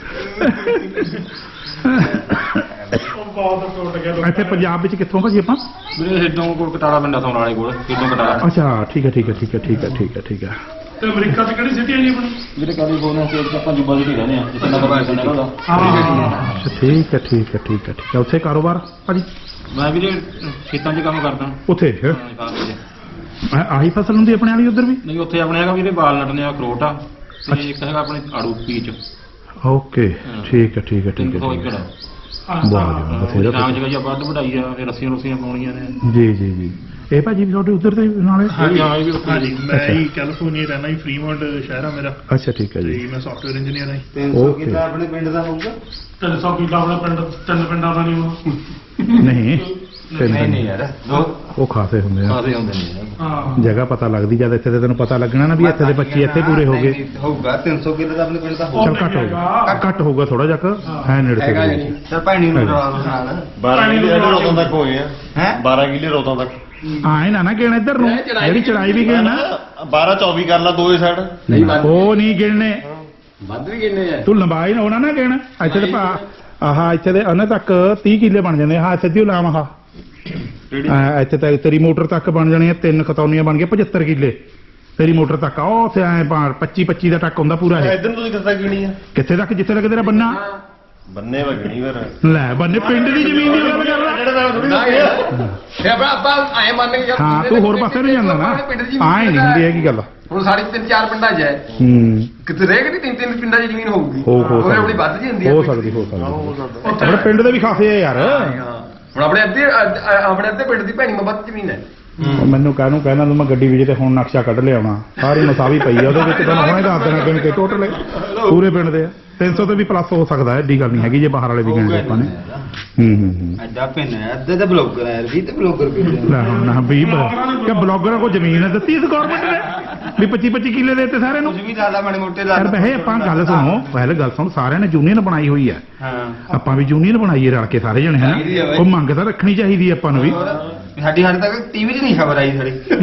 Speaker 4: ਬਹੁਤ ਟੁੱਟ ਗਿਆ
Speaker 1: ਇੱਥੇ ਪੰਜਾਬ ਵਿੱਚ ਕਿੱਥੋਂ ਭਾਜੀ ਆਪਾਂ
Speaker 2: ਵੀਰੇ ਸਿੱਧੋਂ ਕੋਲ ਕਟਾਲਾ ਪਿੰਡਾ ਸੋਨ ਵਾਲੇ ਕੋਲ ਸਿੱਧੋਂ ਕਟਾਲਾ
Speaker 1: ਅੱਛਾ ਠੀਕ ਹੈ
Speaker 4: ਤੇ ਅਮਰੀਕਾ 'ਚ ਕਿਹੜੀ ਸਿਟੀ ਹੈ ਜੀ ਆਪਣੀ
Speaker 2: ਵੀਰੇ ਕੈਲੀਫੋਰਨੀਆ ਸਟੇਟ 'ਚ ਆਪਾਂ ਜੁਬਾ ਸਿਟੀ ਰਹਿੰਦੇ ਆ ਜਿੱਥੇ ਨਗਰ ਪਾਲਿਕਾ ਉਹਦਾ
Speaker 1: ਅੱਛਾ ਠੀਕ ਹੈ ਉੱਥੇ ਕਾਰੋਬਾਰ ਭਾਜੀ
Speaker 2: ਮੈਂ ਵੀਰੇ ਖੇਤਾਂ 'ਚ ਕੰਮ ਕਰਦਾ
Speaker 1: ਉੱਥੇ
Speaker 2: ਹਾਂ
Speaker 1: ਆਹੀ ਫਸਲ ਹੁੰਦੀ ਆਪਣੇ ਵਾਲੀ ਉਧਰ ਵੀ
Speaker 2: ਨਹੀਂ ਉੱਥੇ ਆਪਣੇ ਹੈਗਾ ਵੀਰੇ ਵਾਲਨਟ ਨੇ ਅਖਰੋਟ ਆ ਤੇ ਇੱਕ ਹੈਗਾ ਆਪਣੇ ਆੜੂ ਪੀਚ
Speaker 1: ਓਕੇ ਠੀਕ ਹੈ
Speaker 2: 300 ਏਕੜ
Speaker 1: ਬਹੁਤ ਬਥੇਰਾ
Speaker 2: ਨਾਮ ਜਗ੍ਹਾ ਜੀ ਆਪਾਂ ਵੱਢ ਵਢਾਈ ਆ ਫਿਰ ਰੱਸੀਆਂ ਪਾਉਣੀਆਂ ਨੇ
Speaker 1: ਜੀ ਇਹ ਭਾਜੀ ਵੀ ਤੁਹਾਡੇ ਉਧਰ ਦੇ ਨਾਲੇ
Speaker 4: ਹਾਂਜੀ ਹਾਂ ਵੀ ਹਾਂਜੀ ਮੈਂ ਹੀ ਕੈਲੀਫੋਰਨੀਆ ਰਹਿਣਾ ਹੀ ਫਰੀਮੌਂਟ ਸ਼ਹਿਰ ਆ ਮੇਰਾ
Speaker 1: ਅੱਛਾ ਠੀਕ ਹੈ
Speaker 4: ਤੇ
Speaker 1: ਜੀ
Speaker 4: ਮੈਂ ਸੌਫਟਵੇਅਰ ਇੰਜੀਨੀਅਰ ਹਾਂ
Speaker 5: 300 ਕਿੱਲਾ ਆਪਣੇ ਪਿੰਡ ਦਾ ਹੋਊਗਾ
Speaker 4: 300 ਕਿੱਲਾ ਆਪਣੇ ਪਿੰਡ 3 ਪਿੰਡਾਂ ਦਾ ਨਹੀਂ ਹੋਣਾ
Speaker 1: ਨਹੀਂ
Speaker 5: ਨਹੀਂ ਯਾਰ ਦੋ
Speaker 1: ਉਹ ਖਾਸੇ ਹੁੰਦੇ ਆ
Speaker 5: ਆਦੇ ਹੁੰਦੇ ਨੇ
Speaker 4: ਹਾਂ
Speaker 1: ਜਗ੍ਹਾ ਪਤਾ ਲੱਗਦੀ ਜਦ ਇੱਥੇ ਤੇ ਤੈਨੂੰ ਪਤਾ ਲੱਗਣਾ ਨਾ ਵੀ ਇੱਥੇ ਦੇ 25 ਇੱਥੇ ਪੂਰੇ ਹੋ ਗਏ
Speaker 5: ਹੋਊਗਾ 300 ਕਿੱਲਾ ਦਾ ਆਪਣੇ ਪਿੰਡ ਦਾ
Speaker 1: ਚਲ ਘੱਟ ਹੋਊਗਾ ਘੱਟ ਹੋਊਗਾ ਥੋੜਾ ਜਿਹਾ ਹੈ ਨੇੜੇ
Speaker 5: ਹੈਗਾ
Speaker 1: ਤੇ
Speaker 5: ਜੀ ਸਰ ਭੈਣੀ ਨੂੰ ਰਲਾ ਦੋ ਨਾਲ
Speaker 6: 12 ਕਿੱਲੇ ਰੋਤਾਂ ਤੱਕ ਹੋਏ ਆ
Speaker 5: ਹੈ
Speaker 6: 12 ਕਿੱਲੇ ਰੋਤਾਂ ਤੱਕ
Speaker 1: ਆਏ ਨਾ ਗਿਣ ਇੱਧਰ ਨੂੰ ਜਿਹੜੀ ਚੜਾਈ ਵੀ ਗਿਣ
Speaker 6: 12 24 ਕਰ ਲਾ ਦੋਏ ਸਾਈਡ
Speaker 1: ਉਹ ਨਹੀਂ ਗਿਣਨੇ
Speaker 5: ਵੱਧ ਵੀ ਕਿੰਨੇ ਆ
Speaker 1: ਤੂੰ ਲੰਬਾਈ ਨਾ ਹੋਣਾ ਨਾ ਗਿਣ ਇੱਥੇ ਤੇ ਆਹ ਇੱਥੇ ਦੇ ਉਹਨਾਂ ਤੱਕ 30 ਕਿੱਲੇ ਬਣ ਜਾਂਦੇ ਹਾਂ ਸਿੱਧੀ ਲਾਮ ਆਹ ਇੱਥੇ ਤੱਕ ਤੇਰੀ ਮੋਟਰ ਤੱਕ ਬਣ ਜਾਣੀ 3 ਖਤੌਨੀਆਂ ਬਣ ਗਏ 75 ਕਿੱਲੇ ਤੇਰੀ ਮੋਟਰ ਤੱਕ ਉਹ ਉੱਥੇ ਐ 25 ਦਾ ਟੱਕ ਹੁੰਦਾ ਪੂਰਾ ਇਹ
Speaker 6: ਇਧਰ ਨੂੰ ਤੁਸੀਂ ਕਿੱਥੇ ਗਿਣੀ ਆ
Speaker 1: ਕਿੱਥੇ ਤੱਕ ਜਿੱਥੇ ਤੱਕ ਤੇਰਾ ਬੰਨਾ
Speaker 6: ਬੰਨੇ ਵਗਣੀ ਫਿਰ
Speaker 1: ਲੈ ਬੰਨੇ ਪਿੰਡ ਦੀ ਜ਼ਮੀਨ ਦੀ ਗੱਲ ਕਰ ਲੈ
Speaker 6: ਜਿਹੜਾ ਨਾਲ ਥੋੜੀ
Speaker 3: ਫੇ ਆਪਾਂ ਐ ਮੰਨ ਕੇ ਚੱਲ
Speaker 1: ਹਾਂ ਤੂੰ ਹੋਰ ਪਾਸੇ ਨੂੰ ਜਾਂਦਾ ਨਾ ਆਏ ਨਹੀਂ ਹੁੰਦੀ ਹੈਗੀ ਗੱਲ
Speaker 3: ਹੁਣ ਸਾਡੀ 3-4 ਪਿੰਡਾਂ 'ਚ ਹੈ
Speaker 1: ਹੂੰ
Speaker 3: ਕਿਤੇ ਰਹਿ ਗਈ 3-3 ਪਿੰਡਾਂ 'ਚ ਜ਼ਮੀਨ ਹੋਊਗੀ
Speaker 1: ਹੋ
Speaker 3: ਉਹਦੇ ਆਪਣੀ ਵੱਧ ਜੀ ਹੁੰਦੀ ਹੈ
Speaker 1: ਹੋ ਸਕਦੀ ਆਪਣੇ ਪਿੰਡ ਦੇ ਵੀ ਖਾਸੇ ਆ ਯਾਰ
Speaker 3: ਹੁਣ ਆਪਣੇ ਅੱਧੇ ਪਿੰਡ ਦੀ ਭੈਣੀ ਵੱਧ ਜ਼ਮੀਨ ਹੈ
Speaker 1: ਮੈਨੂੰ ਕਹਿਣਾ ਤੂੰ ਮੈਂ ਗੱਡੀ ਵਿੱਚ ਤੇ ਹੁਣ ਨਕਸ਼ਾ ਕੱਢ ਲਿਆਉਣਾ ਸਾਰੀ ਮਸਾਵੀ ਪਈ ਆ ਉਹਦੇ ਵਿੱਚ ਤੁਹਾਨੂੰ ਹੁਣੇ ਦੱਸ ਦੇਣਾ ਗਿਣ ਕੇ ਟੋਟਲ ਪੂਰੇ ਪਿੰਡ ਦੇ 300 ਤੇ ਵੀ ਪਲੱਸ ਹੋ ਸਕਦਾ ਹੈ ਏਡੀ ਗੱਲ ਨਹੀਂ ਹੈਗੀ ਜੇ ਬਾਹਰ ਵਾਲੇ ਵੀ ਗਿਣਦੇ ਆਪਾਂ ਨੇ ਹੂੰ
Speaker 5: ਐਡਾ ਪਿੰਡ ਹੈ ਅੱਧੇ ਤਾਂ ਬਲੌਗਰ ਹੈ ਵੀ ਤੇ ਬਲੌਗਰ ਵੀ
Speaker 1: ਲੈ ਹੁਣ ਨਾ ਵੀ ਕਿ ਬਲੌਗਰਾਂ ਕੋ ਜ਼ਮੀਨ ਦਿੱਤੀ ਇਸ ਗਵਰਨਮੈਂਟ ਨੇ ਵੀ 25 ਕਿੱਲੇ ਦੇ ਦਿੱਤੇ ਸਾਰਿਆਂ ਨੂੰ
Speaker 5: ਕੁਝ ਵੀ ਜ਼ਿਆਦਾ ਮਾੜੇ ਮੋਟੇ ਦਾ
Speaker 1: ਯਾਰ ਵੈਸੇ ਆਪਾਂ ਗੱਲ ਸੁਣੋ ਪਹਿਲੇ ਗੱਲ ਸੁਣ ਸਾਰਿਆਂ ਨੇ ਯੂਨੀਅਨ ਬਣਾਈ ਹੋਈ ਹੈ
Speaker 5: ਹਾਂ
Speaker 1: ਆਪਾਂ ਵੀ ਯੂਨੀਅਨ ਬਣਾਈਏ ਰਲ ਕੇ ਸਾਰੇ ਜਣੇ
Speaker 5: ਚਾਹੀਦੀ ਹੈ
Speaker 1: ਹੈ
Speaker 5: ਬਾਈ।
Speaker 1: ਉਹ ਮੰਗ ਤਾਂ ਰੱਖਣੀ ਚਾਹੀਦੀ ਹੈ ਆਪਾਂ ਨੂੰ ਵੀ
Speaker 5: ਸਾਡੀ ਹਾਲੇ ਤੱਕ ਟੀਵੀ 'ਚ ਨਹੀਂ ਖਬਰ ਆਈ ਸਾਡੀ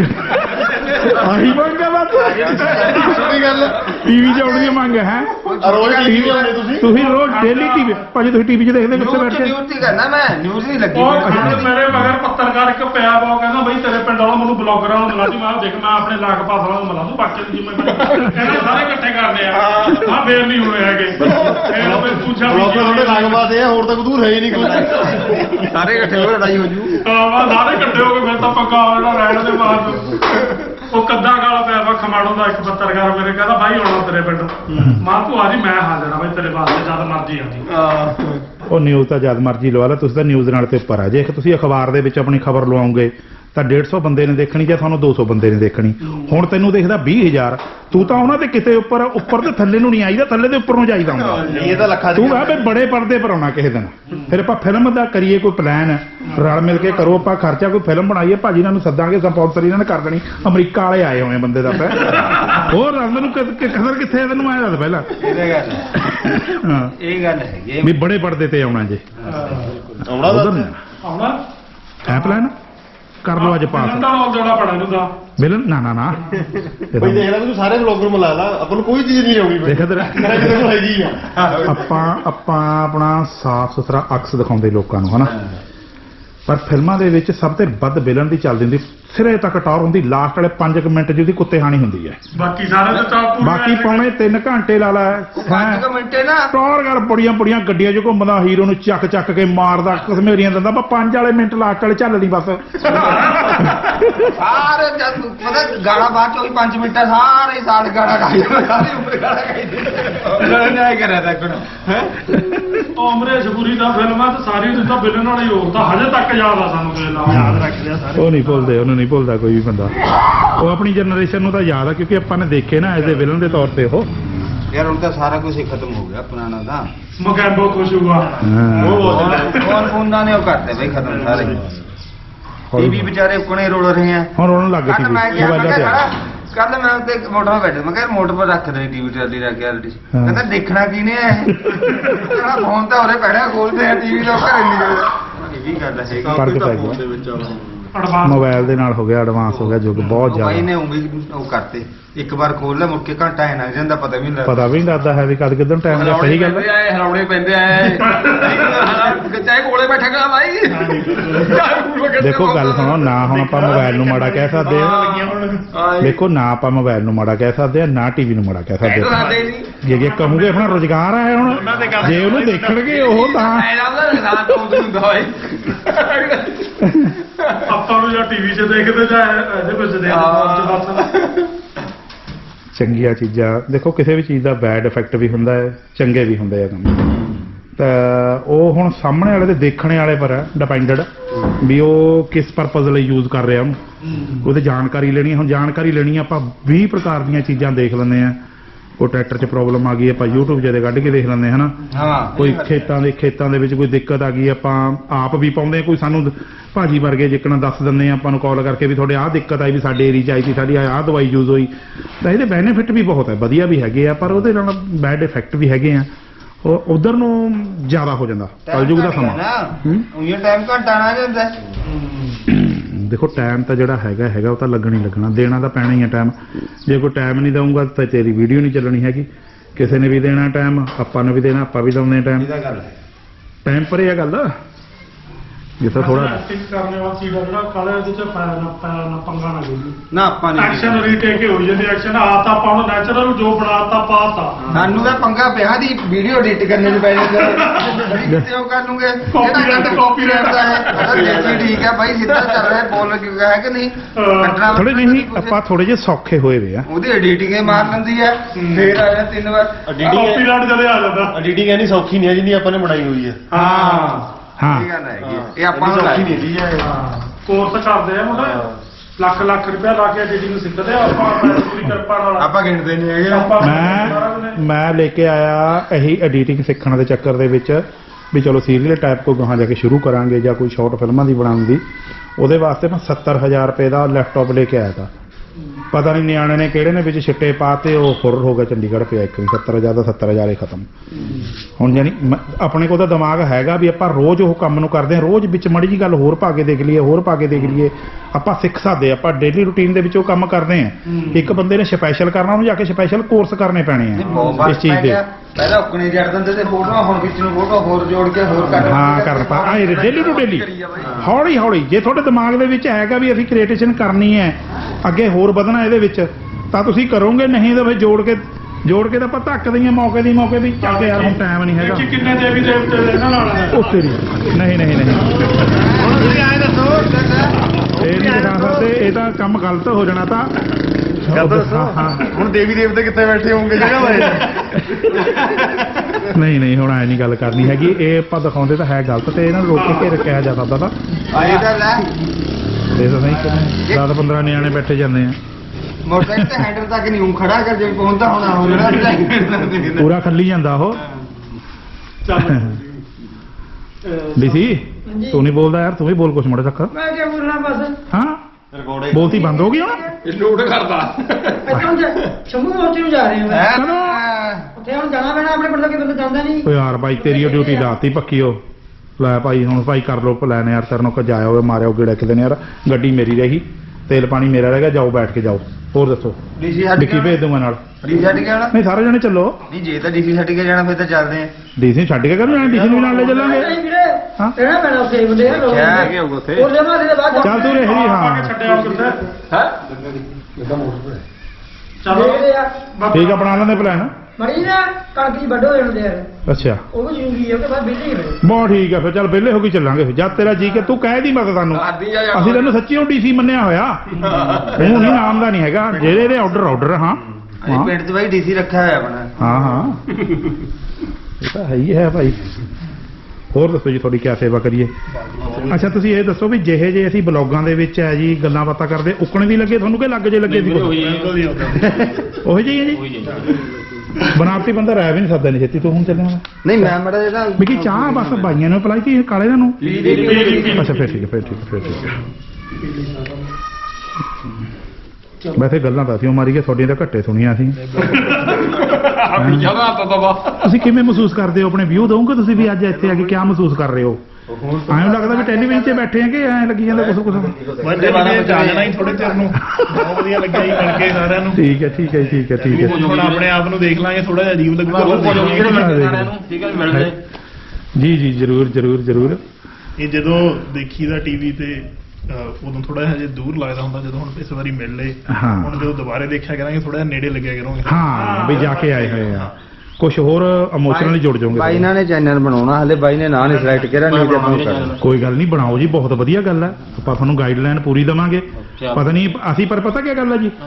Speaker 1: ਆਹੀ ਮੰਗ ਹੈ ਬਸ
Speaker 6: ਸਹੀ ਗੱਲ
Speaker 1: ਟੀਵੀ 'ਚ ਆਉਣੀ ਮੰਗ ਹੈ
Speaker 6: ਰੋਜ਼ ਟੀਵੀ ਲਾਉਂਦੇ
Speaker 1: ਤੁਸੀਂ ਰੋਜ਼ ਡੇਲੀ ਟੀਵੀ ਭਾਜੀ ਤੁਸੀਂ ਟੀਵੀ 'ਚ ਦੇਖਦੇ ਕਿੱਥੇ ਬੈਠ ਕੇ
Speaker 5: ਨਿਊਜ਼ ਹੀ ਕਰਨਾ ਮੈਂ ਨਿਊਜ਼ ਨਹੀਂ ਲੱਗੀ
Speaker 4: ਉਹ ਮੇਰੇ ਮਗਰ ਪੱਤਰਕਾਰ ਇੱਕ ਪਿਆ ਵਾ ਉਹ ਕਹਿੰਦਾ ਬਈ ਤੇਰੇ ਪਿੰਡ ਵਾਲਾ ਮੈਨੂੰ ਬਲੌਗਰਾਂ ਨੂੰ ਮਿਲਾ ਦੀ ਮੈਂ ਕਿਹਾ ਦੇਖ ਮੈਂ ਆਪਣੇ ਲਾਗ ਪਾਸ ਵਾਲਾ ਨੂੰ ਮਿਲਾ ਦੂੰ ਬਾਕੀ ਦੀ ਜ਼ਿੰਮੇਵਾਰੀ ਕਹਿੰਦਾ ਸਾਰੇ ਇਕੱਠੇ ਕਰਦੇ ਆ ਹਾਂ ਫੇਰ ਨਹੀਂ ਹੋਏ ਹੈਗੇ ਫੇਰ ਉਹ ਪੁੱਛਿਆ
Speaker 6: ਬਲੌਗਰ ਤੁਹਾਡੇ ਲੱਗ ਬਾਦੇ ਆ ਹੋਰ ਤਾਂ ਦੂਰ ਹੈ ਹੀ ਨਹੀਂ ਕੋਈ
Speaker 5: ਸਾਰੇ ਇਕੱਠੇ ਹੋ ਲੜਾਈ ਹੋ ਜੂ
Speaker 4: ਵਾ ਸਾਰੇ ਇਕੱਠੇ ਹੋ ਕੇ ਫਿਰ ਤਾਂ ਪੱਕਾ ਜਿਹੜਾ ਰਹਿਣ ਦੇ ਬਾਅਦ ਉਹ ਕੱਦਾ ਗਾਲਾ ਪਿਆ ਵਾ ਖਮਾੜੋਂ ਦਾ ਇੱਕ ਪੱਤਰਕਾਰ ਮੇਰੇ ਕਹਿੰਦਾ ਬਾਈ ਆਉਣਾ ਤੇਰੇ ਪਿੰਡ ਮਾਂ ਤੂੰ ਆ ਜੀ ਮੈਂ ਹਾਜ਼ਰ ਆ ਬਈ ਤੇਰੇ ਵਾਸਤੇ ਜਦ ਮਰਜ਼ੀ ਆ ਜੀ
Speaker 1: ਉਹ ਨਿਊਜ਼ ਤਾਂ ਜਦ ਮਰਜ਼ੀ ਲਵਾ ਲਾ ਤੁਸੀਂ ਤਾਂ ਨਿਊਜ਼ ਨਾਲ ਤੇ ਉੱਪਰ ਆ ਜੇ ਤੁਸੀਂ ਅਖਬਾਰ ਦੇ ਵਿੱਚ ਆਪਣੀ ਖਬਰ ਲਵਾਓਗੇ ਤਾਂ 150 ਬੰਦੇ ਨੇ ਦੇਖਣੀ ਜਾਂ ਤੁਹਾਨੂੰ 200 ਬੰਦੇ ਨੇ ਦੇਖਣੀ ਹੁਣ ਤੈਨੂੰ ਦੇਖਦਾ 20000 ਤੂੰ ਤਾਂ ਉਹਨਾਂ ਦੇ ਕਿਤੇ ਉੱਪਰ ਤੇ ਥੱਲੇ ਨੂੰ ਨਹੀਂ ਆਈਦਾ ਥੱਲੇ ਦੇ ਉੱਪਰ ਨੂੰ ਜਾਈਦਾ ਹੁੰਦਾ
Speaker 6: ਨਹੀਂ ਇਹ ਤਾਂ ਲੱਖਾਂ
Speaker 1: ਤੂੰ ਆ ਵੀ ਬੜੇ ਪਰਦੇ ਪਰ ਆਉਣਾ ਕਿਸੇ ਦਿਨ ਫਿਰ ਆਪਾਂ ਫਿਲਮ ਦਾ ਕਰੀਏ ਕੋਈ ਪਲਾਨ ਰਲ ਮਿਲ ਕੇ ਕਰੋ ਆਪਾਂ ਖਰਚਾ ਕੋਈ ਫਿਲਮ ਬਣਾਈਏ ਭਾਜੀ ਇਹਨਾਂ ਨੂੰ ਸੱਦਾਂਗੇ ਸਪਾਂਸਰ ਇਹਨਾਂ ਨੇ ਕਰ ਦੇਣੀ ਅਮਰੀਕਾ ਵਾਲੇ ਆਏ ਹੋਏ ਬੰਦੇ ਦਾ ਪੈ ਹੋਰ ਰਲ ਨੂੰ ਖਬਰ ਕਿੱਥੇ ਆ ਤੈਨੂੰ ਆਇਆ ਦੱਸ ਪਹਿਲਾਂ ਹਾਂ
Speaker 5: ਇਹ ਗੱਲ ਹੈਗੀ
Speaker 1: ਵੀ ਬੜੇ ਪਰਦੇ ਤੇ ਆਉਣਾ ਜੇ
Speaker 6: ਆਉਣਾ
Speaker 1: ਉਧਰ
Speaker 6: ਤਾਂ
Speaker 4: ਆਉਣਾ
Speaker 1: ਹੈ ਪਲਾਨ ਕਰ ਲਓ ਅੱਜ ਪਾਸ
Speaker 4: ਤਾਂ ਨਾਲ ਦੇਣਾ ਪੈਣਾ ਇਹਨੂੰ ਤਾਂ
Speaker 1: ਮਿਲਣ ਨਾ
Speaker 6: ਬਈ ਦੇਖ ਲੈ ਤੂੰ ਸਾਰੇ ਬਲੌਗਰ ਮਿਲਾ ਲਾ ਆਪਾਂ ਨੂੰ ਕੋਈ ਚੀਜ਼ ਨਹੀਂ ਆਉਣੀ
Speaker 1: ਦੇਖ ਇੱਧਰ
Speaker 6: ਮੇਰਾ ਕਿਤੇ ਕੋਲ ਹੈਗੀ ਆ
Speaker 1: ਆਪਾਂ ਆਪਣਾ ਸਾਫ ਸੁਥਰਾ ਅਕਸ ਦਿਖਾਉਂਦੇ ਲੋਕਾਂ ਨੂੰ ਹਨਾ ਪਰ ਫਿਲਮਾਂ ਦੇ ਵਿੱਚ ਸਭ ਤੋਂ ਵੱਧ ਵਿਲਨ ਦੀ ਚੱਲਦੀ ਹੁੰਦੀ ਸਿਰੇ ਤੱਕ ਟੌਰ ਹੁੰਦੀ ਲਾਸਟ ਵਾਲੇ 5 ਮਿੰਟ ਜਿਹਦੀ ਕੁੱਤੇ ਹਾਣੀ ਹੁੰਦੀ ਹੈ
Speaker 4: ਬਾਕੀ ਸਾਰੇ ਤਾਂ ਪੂਰੇ
Speaker 1: ਬਾਕੀ ਪੌਣੇ 3 ਘੰਟੇ ਲਾ ਲੈ
Speaker 5: 5 ਮਿੰਟੇ ਨਾ
Speaker 1: ਟੌਰ ਗੱਲ ਬੜੀਆਂ ਗੱਡੀਆਂ 'ਚ ਘੁੰਮਦਾ ਹੀਰੋ ਨੂੰ ਚੱਕ ਕੇ ਮਾਰਦਾ ਕਸਮੇਰੀਆਂ ਦਿੰਦਾ ਬਸ 5 ਵਾਲੇ ਮਿੰਟ ਲਾਸਟ ਵਾਲੇ ਚੱਲ ਨਹੀਂ ਬਸ
Speaker 5: ਸਾਰੇ ਜਦ ਪਤਾ ਗਾਣਾ ਬਾਅਦ ਚੋਂ 5 ਮਿੰਟਾਂ ਸਾਰੇ ਸਾਲ ਗਾਣਾ ਗਾਈ ਸਾਰੀ ਉਮਰ ਗਾਣਾ ਗਾਈ ਉਹਨਾਂ ਨੇ ਆਈ ਕਰਿਆ ਤਾਂ
Speaker 4: ਉਹ ਅਮਰੇਸ਼ ਪੁਰੀ ਦਾ ਫਿਲਮ ਆ ਤੇ ਸਾਰੀ ਜਿੱਦਾਂ ਵਿਲਨ ਵਾਲੀ ਹੋਰ ਤਾਂ ਹਜੇ ਤੱਕ ਯਾਦ ਆ ਸਾਨੂੰ ਵੇਲਾ ਯਾਦ ਰੱਖਦੇ ਆ ਸਾਰੇ
Speaker 1: ਉਹ ਨਹੀਂ ਭੁੱਲਦੇ ਉਹਨੂੰ ਨਹੀਂ ਭੁੱਲਦਾ ਕੋਈ ਵੀ ਬੰਦਾ ਉਹ ਆਪਣੀ ਜਨਰੇਸ਼ਨ ਨੂੰ ਤਾਂ ਯਾਦ ਆ ਕਿਉਂਕਿ ਆਪਾਂ ਨੇ ਦੇਖੇ ਨਾ ਐਜ਼ ਏ ਵਿਲਨ ਦੇ ਤੌਰ ਤੇ ਉਹ
Speaker 5: ਯਾਰ ਹੁਣ ਤਾਂ ਸਾਰਾ ਕੁਝ ਹੀ ਖਤਮ ਹੋ ਗਿਆ ਪੁਰਾਣਾ ਦਾ
Speaker 4: ਮਕੈਬੋ ਖੁਸ਼ ਹੋਊਗਾ
Speaker 5: ਉਹਨਾਂ ਨੇ ਉਹ ਕਰਤੇ ਬਈ ਖਤਮ ਸਾਰੇ ਟੀਵੀ ਵਿਚਾਰੇ ਕੋਨੇ ਰੋਲ ਰਹੇ ਆ
Speaker 1: ਹੁਣ ਰੋਣ ਲੱਗ
Speaker 5: ਕੱਲ ਮੈਂ
Speaker 1: ਗਈ
Speaker 5: ਗਿਆ ਮੈਂ
Speaker 1: ਮੋਬਾਈਲਾਂ ਤੇ
Speaker 5: ਕਿਹਾ ਕੱਲ ਮੈਂ ਉੱਤੇ ਮੋਟਰ 'ਤੇ ਬੈਠਾ ਮੈਂ ਕਿਹਾ ਮੋਟਰ 'ਤੇ ਰੱਖ ਦੇ ਟੀਵੀ ਤੇ ਰੱਖ ਗਿਆ ਕਹਿੰਦਾ ਦੇਖਣਾ ਕੀ ਨੇ ਕਹਿੰਦਾ ਫੋਨ ਤਾਂ ਉਹਨੇ ਪੈਣਾ ਖੋਲਦੇ ਆ ਟੀਵੀ ਦਾ ਘਰੇ ਨਿਕਲਦਾ ਇਹ ਵੀ ਗੱਲ ਹੈ
Speaker 1: ਫਰਕ ਪੈ ਗਿਆ ਮੋਬਾਈਲ ਦੇ ਨਾਲ ਹੋ ਗਿਆ ਐਡਵਾਂਸ ਹੋ ਗਿਆ ਯੁੱਗ ਬਹੁਤ
Speaker 5: ਬਾਈ
Speaker 1: ਜ਼ਿਆਦਾ
Speaker 5: ਨੇ ਉਮੀਦ ਉਹ ਕਰਤੇ ਇੱਕ ਵਾਰ ਖੋਲ ਲੈ ਮੁੜ ਕੇ ਘੰਟਾ ਐ ਲੰਘ ਜਾਂਦਾ ਪਤਾ ਵੀ ਨਹੀਂ ਲੱਗਦਾ
Speaker 1: ਪਤਾ ਵੀ ਨਹੀਂ ਲੱਗਦਾ ਹੈ ਵੀ ਕਦ ਕਿੱਧਰ ਟਾਈਮ ਦਾ ਸਹੀ ਗੱਲ ਹੈ
Speaker 3: ਹਰਾਉਣੇ ਪੈਂਦੇ ਆ ਚਾਹੇ ਕੋਲੇ ਬੈਠੇਗਾ ਭਾਈ
Speaker 1: ਦੇਖੋ ਗੱਲ ਸੁਣੋ ਨਾ ਹੁਣ ਆਪਾਂ ਮੋਬਾਈਲ ਨੂੰ ਮਾੜਾ ਕਹਿ ਸਕਦੇ ਆ ਦੇਖੋ ਨਾ ਆਪਾਂ ਮੋਬਾਈਲ ਨੂੰ ਮਾੜਾ ਕਹਿ ਸਕਦੇ ਆ ਨਾ ਟੀਵੀ ਨੂੰ ਮਾੜਾ ਕਹਿ ਸਕਦੇ ਆ
Speaker 3: ਸਾਡੇ ਨਹੀਂ
Speaker 1: ਜੇ ਕਹੋਗੇ ਆਪਣਾ ਰੁਜ਼ਗਾਰ ਹੈ ਹੁਣ ਜੇ ਉਹਨੂੰ ਦੇਖਣਗੇ ਉਹ ਤਾਂ
Speaker 3: ਐਨਾ ਦਾ ਨਿਸ਼ਾਨ ਤੋਂ ਹੁੰਦਾ ਹੋਏ
Speaker 4: ਆਪਾਂ ਨੂੰ ਜਾਂ ਟੀਵੀ 'ਚ ਦੇਖਦੇ ਜਾਂ ਇਹਦੇ ਵਿੱਚ ਦੇਖਦੇ ਬਸ
Speaker 1: ਚੰਗੀਆਂ ਚੀਜ਼ਾਂ ਦੇਖੋ ਕਿਸੇ ਵੀ ਚੀਜ਼ ਦਾ ਬੈਡ ਇਫੈਕਟ ਵੀ ਹੁੰਦਾ ਹੈ ਚੰਗੇ ਵੀ ਹੁੰਦੇ ਆ ਕੰਮ ਤਾਂ ਉਹ ਹੁਣ ਸਾਹਮਣੇ ਵਾਲੇ ਦੇ ਦੇਖਣੇ ਵਾਲੇ ਪਰ ਹੈ ਡਿਪੈਂਡਡ ਵੀ ਉਹ ਕਿਸ ਪਰਪਸ ਲਈ ਯੂਜ਼ ਕਰ ਰਿਹਾ ਉਹਨੂੰ ਉਹਦੇ ਜਾਣਕਾਰੀ ਲੈਣੀ ਹੈ। ਹੁਣ ਜਾਣਕਾਰੀ ਲੈਣੀ ਆਪਾਂ 20 ਪ੍ਰਕਾਰ ਦੀਆਂ ਚੀਜ਼ਾਂ ਦੇਖ ਲੈਂਦੇ ਆ। ਕੋਈ ਟਰੈਕਟਰ 'ਚ ਪ੍ਰੋਬਲਮ ਆ ਗਈ ਆਪਾਂ YouTube ਜਿਹਦੇ ਕੱਢ ਕੇ ਦੇਖ ਲੈਂਦੇ ਹਨਾ। ਕੋਈ ਖੇਤਾਂ ਦੇ ਵਿੱਚ ਕੋਈ ਦਿੱਕਤ ਆ ਗਈ ਆਪਾਂ ਆਪ ਵੀ ਪਾਉਂਦੇ ਕੋਈ ਸਾਨੂੰ ਭਾਜੀ ਵਰਗੇ ਜਿੱਕਣਾ ਦੱਸ ਦਿੰਦੇ ਆ ਆਪਾਂ ਨੂੰ ਕਾਲ ਕਰਕੇ ਵੀ ਤੁਹਾਡੇ ਆਹ ਦਿੱਕਤ ਆਈ ਵੀ ਸਾਡੇ ਏਰੀਆ 'ਚ ਆਈ ਸੀ ਸਾਡੀ ਆਹ ਦਵਾਈ ਯੂਜ਼ ਹੋਈ। ਤਾਂ ਇਹਦੇ ਬੈਨੀਫਿਟ ਵੀ ਬਹੁਤ ਹੈ ਵਧੀਆ ਵੀ ਹੈਗੇ ਆ ਪਰ ਉਹਦੇ ਨਾਲ ਬੈਡ ਇਫੈਕਟ ਵੀ ਹੈਗੇ ਆ। ਉਹ ਉਧਰ ਨੂੰ ਜ਼ਿਆਦਾ ਹੋ ਜਾਂਦਾ ਕਲਯੁਗ ਦਾ ਸਮਾਂ।
Speaker 5: ਉਹ ਟਾਈਮ ਘੰਟਾ ਨਾ ਜਾਂਦਾ।
Speaker 1: ਦੇਖੋ ਟਾਈਮ ਤਾਂ ਜਿਹੜਾ ਹੈਗਾ ਉਹ ਤਾਂ ਲੱਗਣਾ ਹੀ ਲੱਗਣਾ ਦੇਣਾ ਤਾਂ ਪੈਣਾ ਹੀ ਹੈ ਟਾਈਮ। ਜੇ ਕੋਈ ਟਾਈਮ ਨਹੀਂ ਦਊਗਾ ਤਾਂ ਤੇਰੀ ਵੀਡੀਓ ਨਹੀਂ ਚੱਲਣੀ ਹੈਗੀ। ਕਿਸੇ ਨੇ ਵੀ ਦੇਣਾ ਟਾਈਮ ਆਪਾਂ ਨੂੰ ਵੀ ਦੇਣਾ ਆਪਾਂ ਵੀ ਦਉਂਦੇ ਟਾਈਮ। ਟਾਈਮ ਪਰ ਇਹ ਗੱਲ ਜਿੱਥੇ ਥੋੜਾ
Speaker 4: ਐਕਟਿੰਗ ਕਰਨੇ ਵਾਲੀ ਚੀਜ਼ ਜਿਹੜਾ ਕਾਲੇ ਉਹਦੇ ਚ ਪੈਣਾ ਪੰਗਾ ਨਾ ਕੋਈ
Speaker 5: ਨਾ ਆਪਾਂ ਨਹੀਂ
Speaker 4: ਐਕਸ਼ਨ ਰੀਟੇਕ ਹੀ ਹੋਈ ਜਾਂਦੀ ਐਕਸ਼ਨ ਆਤਾ ਆਪਾਂ ਨੂੰ ਨੈਚੁਰਲ ਜੋ ਬਣਾਤਾ ਪਾਤਾ
Speaker 5: ਸਾਨੂੰ ਤਾਂ ਪੰਗਾ ਪਿਆ ਦੀ ਵੀਡੀਓ ਐਡਿਟ ਕਰਨੇ ਨੂੰ ਪੈਣੇ ਕਿਤੇ ਉਹ ਕਰ ਲੂਗੇ ਕਾਪੀਰਾਈਟ ਦਾ ਹੈ ਠੀਕ ਹੈ ਬਾਈ ਸਿੱਧਾ ਚੱਲ ਰਿਹਾ ਬੋਲ ਕਿਉਂਕਿ ਹੈ ਕਿ ਨਹੀਂ
Speaker 1: ਥੋੜੇ ਨਹੀਂ ਆਪਾਂ ਥੋੜੇ ਜਿਹੇ ਸੌਖੇ ਹੋਏ ਵੇ ਆ।
Speaker 5: ਉਹਦੀ ਐਡੀਟਿੰਗ ਮਾਰ ਲੈਂਦੀ ਹੈ ਫੇਰ ਆ ਜਾਂਦਾ 3 ਵਾਰ
Speaker 4: ਕਾਪੀਰਾਈਟ ਜਦੇ ਆ ਜਾਂਦਾ।
Speaker 6: ਐਡੀਟਿੰਗ ਐਨੀ ਸੌਖੀ ਨਹੀਂ ਹੈ ਜਿੰਨੀ ਆਪਾਂ ਨੇ ਬਣਾਈ ਹੋਈ ਹੈ।
Speaker 1: ਹਾਂ
Speaker 5: ਇਹ ਗੱਲ ਹੈਗੀ ਇਹ ਆਪਾਂ ਨੂੰ
Speaker 6: ਸੌਖੀ ਨਹੀਂ ਜੀ ਇਹ।
Speaker 4: ਕੋਰਸ ਕਰਦੇ ਆ ਮੁੰਡੇ ਲੱਖ ਰੁਪਇਆ ਲਾ ਕੇ ਐਡੀਟਿੰਗ ਸਿੱਖਦੇ ਆ ਆਪਾਂ ਪੂਰੀ ਕਿਰਪਾ ਨਾਲ
Speaker 5: ਆਪਾਂ ਗਿਣਦੇ ਨਹੀਂ ਹੈਗੇ।
Speaker 4: ਆਪਾਂ
Speaker 1: ਮੈਂ ਲੈ ਕੇ ਆਇਆ ਇਹੀ ਐਡੀਟਿੰਗ ਸਿੱਖਣ ਦੇ ਚੱਕਰ ਦੇ ਵਿੱਚ ਵੀ ਚਲੋ ਸੀਰੀਅਲ ਟਾਈਪ ਕੋ ਗਾਹਾਂ ਜਾ ਕੇ ਸ਼ੁਰੂ ਕਰਾਂਗੇ ਜਾਂ ਕੋਈ ਸ਼ਾਰਟ ਫਿਲਮਾਂ ਦੀ ਬਣਾਉਣ ਦੀ। ਉਹਦੇ ਵਾਸਤੇ ਮੈਂ 70000 ਰੁਪਏ ਦਾ ਲੈਪਟਾਪ ਲੈ ਕੇ ਆਇਆ ਤਾ। ਪਤਾ ਨਹੀਂ ਨਿਆਣੇ ਨੇ ਕਿਹੜੇ ਨੇ ਵਿੱਚ ਛਿੱਟੇ ਪਾਤੇ ਉਹ ਫੁਰ ਹੋ ਗਿਆ ਚੰਡੀਗੜ੍ਹ ਪਿਆ ਇੱਕ ਵੀ 70000 ਦਾ 70000 ਹੀ ਖਤਮ। ਹੁਣ ਯਾਨੀ ਆਪਣੇ ਕੋਲ ਤਾਂ ਦਿਮਾਗ ਹੈਗਾ ਵੀ ਆਪਾਂ ਰੋਜ਼ ਉਹ ਕੰਮ ਨੂੰ ਕਰਦੇ ਹਾਂ ਰੋਜ਼ ਵਿੱਚ ਮੜੀ ਜੀ ਗੱਲ ਹੋਰ ਪਾ ਕੇ ਦੇਖ ਲਈਏ ਆਪਾਂ ਸਿੱਖ ਸਕਦੇ ਆਪਾਂ ਡੇਲੀ ਰੂਟੀਨ ਦੇ ਵਿੱਚ ਉਹ ਕੰਮ ਕਰਦੇ ਹਾਂ। ਇੱਕ ਬੰਦੇ ਨੇ ਸਪੈਸ਼ਲ ਕਰਨਾ ਉਹਨੂੰ ਜਾ ਕੇ ਸਪੈਸ਼ਲ ਕੋਰਸ ਕਰਨੇ ਪੈਣੇ ਆ ਇਸ ਚੀਜ਼ ਦੇ।
Speaker 5: ਪਹਿਲਾਂ ਉਕਣੇ ਜੜ ਦਿੰਦੇ ਤੇ ਫੋਟੋਆਂ ਹੁਣ ਵਿੱਚ ਨੂੰ ਫੋਟੋ ਹੋਰ ਜੋੜ ਕੇ ਹੋਰ ਕਰ
Speaker 1: ਕਰਨ ਪਾ ਡੇਲੀ ਟੂ ਡੇਲੀ ਹੌਲੀ ਜੇ ਤੁਹਾਡੇ ਦਿਮਾਗ ਦੇ ਵਿੱਚ ਹੈਗਾ ਵੀ ਅਸੀਂ ਕ੍ਰੀਏਟੇਸ਼ਨ ਕਰਨੀ ਹੈ ਅੱਗੇ ਹੋਰ ਵਧਣਾ ਇਹਦੇ ਵਿੱਚ ਤਾਂ ਤੁਸੀਂ ਕਰੋਗੇ ਨਹੀਂ ਤਾਂ ਫਿਰ ਜੋੜ ਕੇ ਤਾਂ ਆਪਾਂ ਧੱਕਦੇ ਹਾਂ ਮੌਕੇ ਵੀ ਚੱਲ ਕੇ ਯਾਰ ਹੁਣ ਟਾਈਮ ਨਹੀਂ ਹੈਗਾ।
Speaker 4: ਕਿੰਨੇ ਦੇਵੀ ਦੇਵਤੇ ਇਹਨਾਂ ਨਾਲ
Speaker 1: ਉਹ ਤੇਰੀ ਨਹੀਂ
Speaker 5: ਹੁਣ ਤੁਸੀਂ ਆਏ ਦੱਸੋ
Speaker 1: ਇਹ ਨਹੀਂ ਦਿਖਾ ਸਕਦੇ ਇਹ ਤਾਂ ਕੰਮ ਗਲਤ ਹੋ ਜਾਣਾ ਤਾਂ
Speaker 6: ਹੁਣ ਦੇਵੀ ਦੇਵਤੇ ਕਿੱਥੇ ਬੈਠੇ ਹੋਣਗੇ ਜਗ੍ਹਾ
Speaker 1: ਨਹੀਂ ਹੁਣ ਐ ਨਹੀਂ ਗੱਲ ਕਰਨੀ ਹੈਗੀ। ਇਹ ਆਪਾਂ ਦਿਖਾਉਂਦੇ ਤਾਂ ਹੈ ਗਲਤ ਤੇ ਇਹਨਾਂ ਨੂੰ ਰੋਕ ਕੇ ਰੱਖਿਆ ਜਾ ਸਕਦਾ ਤਾਂ
Speaker 5: ਇਹ ਤਾਂ ਲੈ
Speaker 1: ਇਹ ਤਾਂ ਨਹੀਂ 10-15 ਨਿਆਣੇ ਬੈਠੇ ਜਾਂਦੇ ਆ
Speaker 5: ਮੋਟਰਸਾਈਕਲ ਤੇ ਹੈਂਡਲ ਤੱਕ ਨਹੀਂ ਖੜਾ ਕਰ ਜੇ ਪਹੁੰਚਦਾ ਹੋਣਾ ਹੋ ਜਿਹੜਾ
Speaker 1: ਪੂਰਾ ਖੱਲੀ ਜਾਂਦਾ ਉਹ। ਡੀਸੀ ਤੂੰ ਨਹੀਂ ਬੋਲਦਾ ਯਾਰ ਤੂੰ ਵੀ ਬੋਲ ਕੁਛ ਮੋੜੇ ਤੱਕ।
Speaker 7: ਮੈਂ ਕੀ ਬੋਲਣਾ ਬਸ
Speaker 1: ਹਾਂ ਬੋਲਤੀ ਬੰਦ ਹੋ ਗਈ ਹੁਣ।
Speaker 3: ਇਹ ਲੋਡ ਕਰਦਾ
Speaker 7: ਇੱਥੋਂ ਸ਼ੰਭੂ ਮੋਤੀ ਨੂੰ ਜਾ ਰਹੇ ਹਾਂ
Speaker 1: ਕਦੋਂ
Speaker 7: ਉੱਥੇ ਹੁਣ ਜਾਣਾ ਪੈਣਾ ਆਪਣੇ ਪਿੰਡ ਤੋਂ ਜਾਂਦਾ ਨਹੀਂ।
Speaker 1: ਓ ਯਾਰ ਬਾਈ ਤੇਰੀ ਡਿਊਟੀ ਲਾਤੀ ਪੱਕੀ ਉਹ ਲੈ ਭਾਈ ਹੁਣ ਭਾਈ ਕਰ ਲੋ ਪਲਾਨ ਯਾਰ ਤੇਰੇ ਨੂੰ ਜਾਇਆ ਹੋਵੇ ਮਾਰਿਆ ਗੇੜਾ ਇੱਕ ਦਿਨ ਯਾਰ ਗੱਡੀ ਮੇਰੀ ਰਹੀ ਤੇਲ ਪਾਣੀ ਮੇਰਾ ਰਹਿ ਗਿਆ ਜਾਓ ਬੈਠ ਕੇ ਜਾਓ। ਹੋਰ ਦੱਸੋ
Speaker 5: ਡੀਸੀ ਛੱਡ
Speaker 1: ਵਿੱਕੀ ਭੇਜ ਦੂੰਗਾ ਨਾਲ।
Speaker 5: ਡੀਸੀ ਛੱਡ ਕੇ ਆਉਣਾ
Speaker 1: ਨਹੀਂ ਸਾਰੇ ਜਣੇ ਚੱਲੋ।
Speaker 5: ਨਹੀਂ ਜੇ ਤਾਂ ਡੀਸੀ ਛੱਡ ਕੇ ਜਾਣਾ ਫਿਰ ਤਾਂ ਚੱਲਦੇ ਆ।
Speaker 1: ਡੀਸੀ ਛੱਡ ਕੇ ਕਰੂੰ ਡੀਸੀ ਨੂੰ ਨਾਲ ਲੈ ਚੱਲਾਂਗੇ।
Speaker 7: ਨਹੀਂ ਵੀਰੇ
Speaker 1: ਹਾਂ।
Speaker 7: ਰਹਿਣਾ ਪੈਣਾ ਉੱਥੇ ਬੰਦੇ ਆ ਲੋਕ
Speaker 5: ਕਿਆ ਹੋਊਗਾ ਉੱਥੇ
Speaker 7: ਉਹ ਜਮਾ ਦੇ ਬਾਅਦ
Speaker 1: ਚੱਲ ਤੂੰ ਰਹਿ ਜੀ
Speaker 4: ਆਪਾਂ ਕਿ
Speaker 1: ਹਾਂ
Speaker 4: ਛੱਡਿਆ ਕਿੱਥੇ
Speaker 3: ਹੈ
Speaker 4: ਚਲੋ
Speaker 7: ਦੇਖਦੇ ਆ
Speaker 1: ਠੀਕ ਆ ਬਣਾ ਲੈਂਦੇ ਪਲਾਨ।
Speaker 7: ਮੜੀ ਨਾ ਕਣਕ ਦੀ ਵੱਢ ਹੋ ਜਾਂਦੇ ਯਾਰ
Speaker 1: ਅੱਛਾ
Speaker 7: ਉਹ ਵੀ ਜ਼ਰੂਰੀ ਹੈ ਕਿ ਬਾਅਦ ਬਿਜਲੀ ਹੋਵੇ।
Speaker 1: ਬਹੁਤ ਠੀਕ ਆ ਫਿਰ ਚੱਲ ਵਿਹਲੇ ਹੋ ਕੇ ਚੱਲਾਂਗੇ ਜਦ ਤੇਰਾ ਜੀ ਕੇ ਤੂੰ ਕਹਿ ਦੀ ਮਤ ਸਾਨੂੰ ਅਸੀਂ ਤੈਨੂੰ ਸੱਚੀ ਉਹ ਡੀਸੀ ਮੰਨਿਆ ਹੋਇਆ ਉਹ ਨਹੀਂ ਨਾਮ ਦਾ ਨਹੀਂ ਹੈਗਾ ਜਿਹੜੇ ਦੇ ਆਰਡਰ ਹਾਂ
Speaker 5: ਅਸੀਂ ਪਿੰਡ 'ਚ ਬਾਈ ਡੀਸੀ ਰੱਖਿਆ ਹੋਇਆ ਆਪਣਾ।
Speaker 1: ਹਾਂ ਇਹ ਤਾਂ ਹੈ ਹੀ ਹੈ ਭਾਈ। ਹੋਰ ਦੱਸੋ ਜੀ ਤੁਹਾਡੀ ਕੀ ਸੇਵਾ ਕਰੀਏ। ਅੱਛਾ ਤੁਸੀਂ ਇਹ ਦੱਸੋ ਵੀ ਜਿਹੇ ਜੇ ਅਸੀਂ ਬਲੌਗਾਂ ਦੇ ਵਿੱਚ ਹੈ ਜੀ ਗੱਲਾਂ ਬਾਤਾਂ ਕਰਦੇ ਉਕਣੇ ਦੀ ਲੱਗੇ ਤੁਹਾਨੂੰ ਕਿ ਲੱਗ ਜੇ ਲੱਗੇ ਸੀ ਉਹੀ ਜਿਹੀ ਹੈ ਜੀ ਬਨਾਵਟੀ ਬੰਦਾ ਰਹਿ ਵੀ ਨਹੀਂ ਸਕਦਾ ਨਹੀਂ ਛੇਤੀ ਤੂੰ ਹੁਣ ਚੱਲਿਆ
Speaker 5: ਨਹੀਂ ਮੈਂ ਮੜਾ ਜਿਹੜਾ
Speaker 1: ਵੀ ਕੀ ਚਾਹ ਬਸ ਬਾਈਆਂ ਨੂੰ ਪਲਾਈ ਕੀ ਕਾਲੇ ਦਾ ਨੂੰ ਅੱਛਾ ਫਿਰ ਠੀਕ ਹੈ ਵੈਸੇ ਗੱਲਾਂ ਤਾਂ ਅਸੀਂ ਮਾਰੀ ਗਏ ਤੁਹਾਡੀਆਂ ਤਾਂ ਘੱਟੇ ਸੁਣੀਆਂ ਸੀ। ਤੁਸੀਂ ਕਿਵੇਂ ਮਹਿਸੂਸ ਕਰਦੇ ਹੋ ਆਪਣੇ ਵਿਊ ਦਊਂਗੇ ਤੁਸੀਂ ਵੀ ਅੱਜ ਇੱਥੇ ਆ ਕੇ ਕੀ ਮਹਿਸੂਸ ਕਰ ਰਹੇ ਹੋ। ਐਂ ਲੱਗਦਾ ਵੀ ਟੈਲੀਵਿਜ਼ਨ 'ਤੇ ਬੈਠੇ ਆ ਕਿ ਐਂ ਲੱਗੀ ਜਾਂਦਾ ਕੁਛ
Speaker 2: ਬੰਦੇ ਬਾਰੇ ਜਾਣਨਾ ਹੀ ਥੋੜੇ ਚਿਰ ਨੂੰ ਬਹੁਤ ਵਧੀਆ ਲੱਗਿਆ ਜੀ ਮਿਲ ਕੇ ਸਾਰਿਆਂ ਨੂੰ।
Speaker 1: ਠੀਕ ਹੈ
Speaker 2: ਹੁਣ ਆਪਣੇ ਆਪ ਨੂੰ ਦੇਖ ਲਾਂਗੇ ਥੋੜਾ ਜਿਹਾ ਅਜੀਬ ਲੱਗੂਗਾ। ਠੀਕ ਹੈ ਮਿਲਦੇ
Speaker 1: ਜੀ ਜ਼ਰੂਰ।
Speaker 2: ਇਹ ਜਦੋਂ ਦੇਖੀਦਾ ਟੀਵੀ ਤੇ ਉਦੋਂ ਥੋੜਾ ਜਿਹਾ ਜੇ ਦੂਰ ਲੱਗਦਾ ਹੁੰਦਾ ਜਦੋਂ ਹੁਣ ਇਸ ਵਾਰੀ ਮਿਲ ਲਏ
Speaker 1: ਹਾਂ।
Speaker 2: ਹੁਣ ਜਦੋਂ ਦੁਬਾਰੇ ਦੇਖਿਆ ਕਰਾਂਗੇ ਥੋੜਾ ਜਿਹਾ ਨੇੜੇ ਲੱਗਿਆ ਕਰੋਗੇ।
Speaker 1: ਹਾਂ ਵੀ ਜਾ ਕੇ ਆਏ ਹੋਏ ਆ ਕੁਝ ਹੋਰ ਇਮੋਸ਼ਨਲੀ ਜੁੜ ਜਾਓਗੇ।
Speaker 5: ਬਾਈ ਇਹਨਾਂ ਨੇ ਚੈਨਲ ਬਣਾਉਣਾ ਹਲੇ ਬਾਈ ਨੇ ਨਾਂ ਨਹੀਂ ਸਿਲੈਕਟ ਕਰਿਆ ਨਹੀਂ ਤੇ ਆਪਾਂ ਕਰਨਾ।
Speaker 1: ਕੋਈ ਗੱਲ ਨਹੀਂ ਬਣਾਓ ਜੀ ਬਹੁਤ ਵਧੀਆ ਗੱਲ ਹੈ ਆਪਾਂ ਤੁਹਾਨੂੰ ਗਾਈਡਲਾਈਨ ਪੂਰੀ ਦੇਵਾਂਗੇ। ਪਤਾ ਨਹੀਂ ਅਸੀਂ ਪਰ ਪਤਾ ਕੀ ਗੱਲ ਹੈ ਜੀ